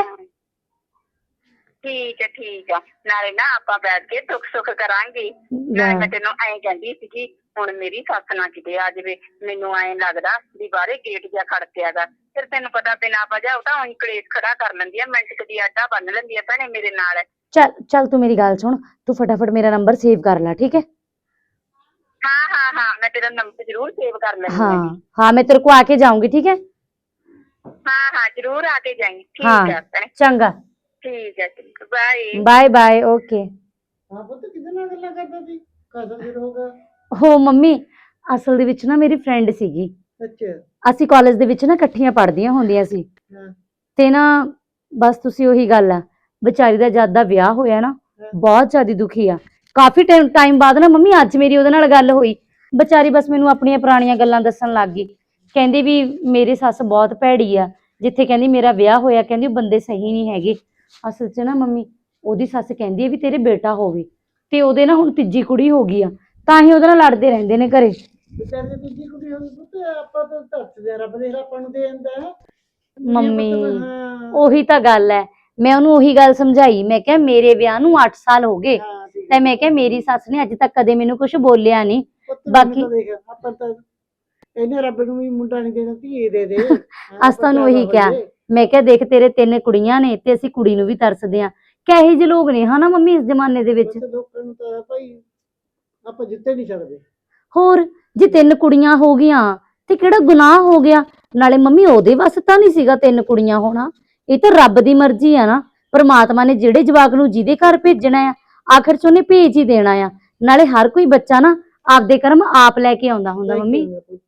Speaker 4: ਠੀਕ ਹੈ ਠੀਕ ਆ, ਨਾਲੇ ਨਾ ਆਪਾਂ ਬੈਠ ਕੇ ਦੁੱਖ ਸੁੱਖ ਕਰਾਂਗੇ। ਨਾਲੇ ਮੈਂ ਤੈਨੂੰ ਐਂ ਕਹਿੰਦੀ ਸੀਗੀ, ਹੁਣ ਮੇਰੀ ਸੱਸ ਨਾ ਕਿਤੇ ਆ ਜਾਵੇ। ਮੈਨੂੰ ਐਂ ਲੱਗਦਾ ਵੀ ਬਾਹਰੇ ਗੇਟ ਜਿਹਾ ਖੜਕਿਆ ਗਾ, ਫਿਰ ਤੈਨੂੰ ਪਤਾ ਬਿਨਾਂ ਵਜ੍ਹਾ ਉਹ ਤਾਂ ਉਹੀ ਕਲੇਸ਼ ਖੜਾ ਕਰ ਲੈਂਦੀ ਆ, ਮਿੰਟ ਕਦੀ ਆਡਾ ਬੰਨ ਲੈਂਦੀ ਆ ਭੈਣੇ ਮੇਰੇ ਨਾਲ।
Speaker 2: ਚੱਲ ਚੱਲ ਤੂੰ ਮੇਰੀ ਗੱਲ ਸੁਣ, ਤੂੰ ਫਟਾਫਟ ਮੇਰਾ ਨੰਬਰ ਸੇਵ ਕਰ ਲੈ, ਠੀਕ ਹੈ?
Speaker 4: ਹਾਂ ਹਾਂ ਹਾਂ, ਮੈਂ ਤੇਰਾ ਨੰਬਰ ਜ਼ਰੂਰ ਸੇਵ ਕਰ ਲੈਂਦੀ
Speaker 2: ਹਾਂ
Speaker 4: ਹਾਂ।
Speaker 2: ਹਾਂ ਮੈਂ ਤੇਰੇ ਕੋ ਆ ਕੇ ਜਾਊਂਗੀ, ਠੀਕ ਹੈ?
Speaker 4: ਹਾਂ ਹਾਂ ਜ਼ਰੂਰ ਆ ਕੇ ਜਾਈਂ। ਠੀਕ
Speaker 2: ਹਾਂ
Speaker 4: ਹੈ ਭੈਣੇ,
Speaker 2: ਚੰਗਾ,
Speaker 4: ਠੀਕ ਹੈ, ਬਾਏ
Speaker 2: ਬਾਏ ਬਾਏ, ਓਕੇ।
Speaker 3: ਹਾਂ ਪੁੱਤ ਕਿਹਦੇ ਨਾਲ ਗੱਲਾਂ ਕਰਦਾ ਸੀ? ਕਾਹਦਾ ਦਿਨ ਹੋ ਗਿਆ?
Speaker 2: ਹੋ ਮੰਮੀ, ਅਸਲ ਦੇ ਵਿੱਚ ਨਾ ਮੇਰੀ ਫਰੈਂਡ ਸੀਗੀ।
Speaker 3: ਅੱਛਾ।
Speaker 2: ਅਸੀਂ ਕਾਲਜ ਦੇ ਵਿੱਚ ਨਾ ਇਕੱਠੀਆਂ ਪੜ੍ਹਦੀਆਂ ਹੁੰਦੀਆਂ ਸੀ।
Speaker 3: ਹਾਂ।
Speaker 2: ਤੇ ਨਾ ਬਸ ਤੁਸੀਂ ਉਹੀ ਗੱਲ ਆ, ਵਿਚਾਰੀ ਦਾ ਜਦ ਦਾ ਵਿਆਹ ਹੋਇਆ ਨਾ ਬਹੁਤ ਜ਼ਿਆਦਾ ਦੁਖੀ ਆ।
Speaker 5: ਕਾਫੀ ਟਾਈਮ ਟਾਈਮ ਬਾਅਦ ਨਾ ਮੰਮੀ ਅੱਜ ਮੇਰੀ ਉਹਦੇ ਨਾਲ ਗੱਲ ਹੋਈ। ਵਿਚਾਰੀ ਬਸ ਮੈਨੂੰ ਆਪਣੀਆਂ ਪੁਰਾਣੀਆਂ ਗੱਲਾਂ ਦੱਸਣ ਲੱਗ ਗਈ। ਕਹਿੰਦੀ ਵੀ ਮੇਰੀ ਸੱਸ ਬਹੁਤ ਭੈੜੀ ਆ, ਜਿੱਥੇ ਕਹਿੰਦੀ ਮੇਰਾ ਵਿਆਹ ਹੋਇਆ ਕਹਿੰਦੀ ਉਹ ਬੰਦੇ ਸਹੀ ਨਹੀਂ ਹੈਗੇ। ਅਸਲ 'ਚ ਨਾ ਮੰਮੀ ਉਹਦੀ ਸੱਸ ਕਹਿੰਦੀ ਹੈ ਵੀ ਤੇਰੇ ਬੇਟਾ ਹੋਵੇ, ਤੇ ਉਹਦੇ ਨਾ ਹੁਣ ਤੀਜੀ ਕੁੜੀ ਹੋ ਗਈ ਆ, ਤਾਂ ਹੀ ਉਹਦੇ ਨਾਲ ਲੜਦੇ ਰਹਿੰਦੇ ਨੇ ਘਰੇ।
Speaker 2: ਵਿਚਾਰੇ ਤੀਜੀ ਕੁੜੀ ਹੋਈ ਪੁੱਤ, ਆਪਾਂ ਤਾਂ ਧਰਤ ਦੇ ਰੱਬ ਦੇ ਆਪਾਂ ਨੂੰ ਦੇ ਦਿੰਦਾ।
Speaker 5: ਮੰਮੀ ਉਹੀ ਤਾਂ ਗੱਲ ਹੈ, ਮੈਂ ਉਹਨੂੰ ਉਹੀ ਗੱਲ ਸਮਝਾਈ। ਮੈਂ ਕਿਹਾ ਮੇਰੇ ਵਿਆਹ ਨੂੰ ਅੱਠ ਸਾਲ ਹੋ ਗਏ, ਤੇ ਮੈਂ ਕਿਹਾ ਮੇਰੀ ਸੱਸ ਨੇ ਅੱਜ ਤੱਕ ਕਦੇ ਮੈਨੂੰ ਕੁਝ ਬੋਲਿਆ ਨਹੀਂ। ਬਾਕੀ
Speaker 2: ਆਪਾਂ ਤਾਂ ਇਹਨੇ ਰੱਬ ਨੂੰ ਵੀ ਮੁੰਡਾ ਨਹੀਂ ਦੇਣਾ, ਧੀਏ ਦੇ ਦੇ।
Speaker 5: ਅਸ ਤੁਹਾਨੂੰ ਉਹੀ ਕਿਹਾ, ਮੈਂ ਕਿਹਾ ਦੇਖ ਤੇਰੇ ਤਿੰਨ ਕੁੜੀਆਂ ਨੇ ਤੇ ਅਸੀਂ ਕੁੜੀ ਨੂੰ ਵੀ ਤਰਸਦੇ ਆ। ਕਹੇ ਜਿਹੇ ਲੋਕ ਨੇ ਹਨਾ ਮੰਮੀ ਇਸ ਜ਼ਮਾਨੇ ਦੇ ਵਿੱਚ।
Speaker 2: ਲੋਕਾਂ ਨੂੰ ਤਾਂ ਭਾਈ ਆਪਾਂ ਜਿੱਤੇ ਨਹੀਂ ਸਕਦੇ।
Speaker 5: ਹੋਰ ਜੇ ਤਿੰਨ ਕੁੜੀਆਂ ਹੋ ਗਈਆਂ ਤੇ ਕਿਹੜਾ ਗੁਨਾਹ ਹੋ ਗਿਆ? ਨਾਲੇ ਮੰਮੀ ਉਹਦੇ ਵਾਸਤੇ ਤਾਂ ਨਹੀਂ ਸੀਗਾ ਤਿੰਨ ਕੁੜੀਆਂ ਹੋਣਾ, ਇਹ ਤਾਂ ਰੱਬ ਦੀ ਮਰਜ਼ੀ ਆ ਨਾ। ਪਰਮਾਤਮਾ ਨੇ ਜਿਹੜੇ ਜਵਾਕ ਨੂੰ ਜਿਹਦੇ ਘਰ ਭੇਜਣਾ ਆ ਆਖਰ ਚ ਉਹਨੇ ਭੇਜ ਹੀ ਦੇਣਾ ਆ। ਨਾਲੇ ਹਰ ਕੋਈ ਬੱਚਾ ਨਾ ਆਪਦੇ ਕਰਮ ਆਪ ਲੈ ਕੇ ਆਉਂਦਾ ਹੁੰਦਾ ਮੰਮੀ।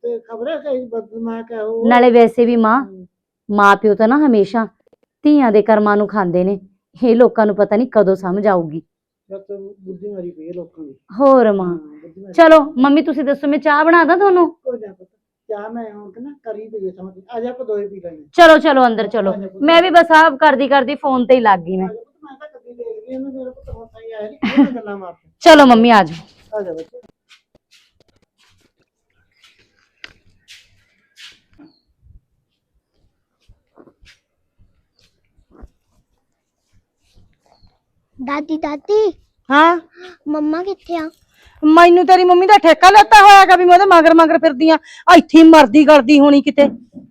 Speaker 5: ਨਾਲੇ ਵੈਸੇ ਵੀ ਮਾਂ ਮਾਂ ਪਿਓ ਤਾਂ ਨਾ ਹਮੇਸ਼ਾ ਧੀਆਂ ਦੇ ਕਰਮਾਂ ਨੂੰ ਖਾਂਦੇ ਨੇ। ਇਹ ਲੋਕਾਂ ਨੂੰ ਪਤਾ ਨਹੀਂ ਕਦੋਂ ਸਮਝ ਆਊਗੀ।
Speaker 2: ਬੁੱਧੀ ਮਾਰੀ ਪਈ ਲੋਕਾਂ ਦੀ।
Speaker 5: ਹੋਰ ਮਾਂ ਚਲੋ ਮੰਮੀ ਤੁਸੀਂ ਦੱਸੋ, ਮੈਂ ਚਾਹ ਬਣਾ ਦਾਂ ਤੁਹਾਨੂੰ?
Speaker 2: ਚਾਹ ਮੈਂ ਹੁਣ ਨਾ ਕਰੀ ਪਈ ਸਮਝ ਆ ਜਾ, ਆਪਾਂ ਦੋਏ ਪੀ ਲੈਣੇ।
Speaker 5: ਚਲੋ ਚਲੋ ਅੰਦਰ ਚਲੋ, ਮੈਂ ਵੀ ਬਸ ਆਪ ਕਰਦੀ ਕਰਦੀ ਫੋਨ ਤੇ ਹੀ ਲੱਗ ਗਈ। ਮੈਂ
Speaker 2: ਮੈਂ ਤਾਂ ਕਦੀ ਦੇਖ ਰਹੀ ਹਾਂ, ਮੇਰਾ ਪੁੱਤ ਹੁਣ ਸਹੀ ਆਇਆ ਨਹੀਂ, ਗੱਲਾਂ ਮਾਰ।
Speaker 5: ਚਲੋ ਮੰਮੀ ਆ ਜਾਓ।
Speaker 2: ਆ ਜਾ ਬੱਚੇ।
Speaker 6: ਦਾਦੀ ਦਾਦੀ
Speaker 2: ਹਾਂ
Speaker 6: ਮੰਮਾ ਕਿੱਥੇ ਆ?
Speaker 2: ਮੈਨੂੰ ਤੇਰੀ ਮੰਮੀ ਦਾ ਠੇਕਾ ਲੈਤਾ ਹੋਇਆਗਾ ਵੀ ਮੈਂ ਉਹਦੇ ਮਗਰ ਮਗਰ ਫਿਰਦੀ ਆ, ਇੱਥੇ ਮਰਦੀ ਕਰਦੀ ਹੋਣੀ ਕਿਤੇ।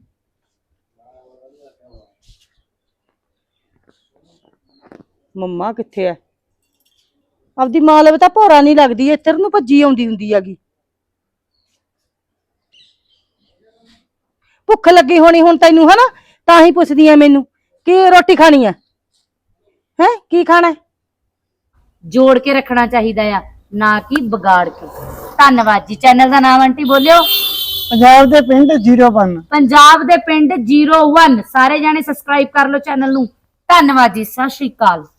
Speaker 2: ਮੰਮਾ ਕਿੱਥੇ ਐ? ਆਪਦੀ ਮਾਂ ਲਵੇ ਤਾਂ ਭੋਰਾ ਨਹੀਂ ਲੱਗਦੀ, ਇੱਧਰ ਨੂੰ ਭੱਜੀ ਆਉਂਦੀ ਹੁੰਦੀ ਹੈਗੀ। ਭੁੱਖ ਲੱਗੀ ਹੋਣੀ ਹੁਣ ਤੈਨੂੰ ਹਨਾ, ਤਾਂ ਹੀ ਪੁੱਛਦੀ ਐ ਮੈਨੂੰ ਕੀ ਰੋਟੀ ਖਾਣੀ ਐ? ਹੈ ਕੀ ਖਾਣਾ?
Speaker 5: ਜੋੜ ਕੇ ਰੱਖਣਾ ਚਾਹੀਦਾ ਆ, ਨਾ ਕਿ ਵਿਗਾੜ ਕੇ। ਧੰਨਵਾਦ ਜੀ। ਚੈਨਲ ਦਾ ਨਾਮ ਆਂਟੀ ਬੋਲਿਓ।
Speaker 2: ਪੰਜਾਬ ਦੇ ਪਿੰਡ ਜ਼ੀਰੋ ਵਨ।
Speaker 5: ਪੰਜਾਬ ਦੇ ਪਿੰਡ ਜ਼ੀਰੋ ਵਨ। ਸਾਰੇ ਜਾਣੇ ਸਬਸਕ੍ਰਾਈਬ ਕਰ ਲਓ ਚੈਨਲ ਨੂੰ। ਧੰਨਵਾਦ ਜੀ, ਸਤਿ ਸ਼੍ਰੀ ਅਕਾਲ।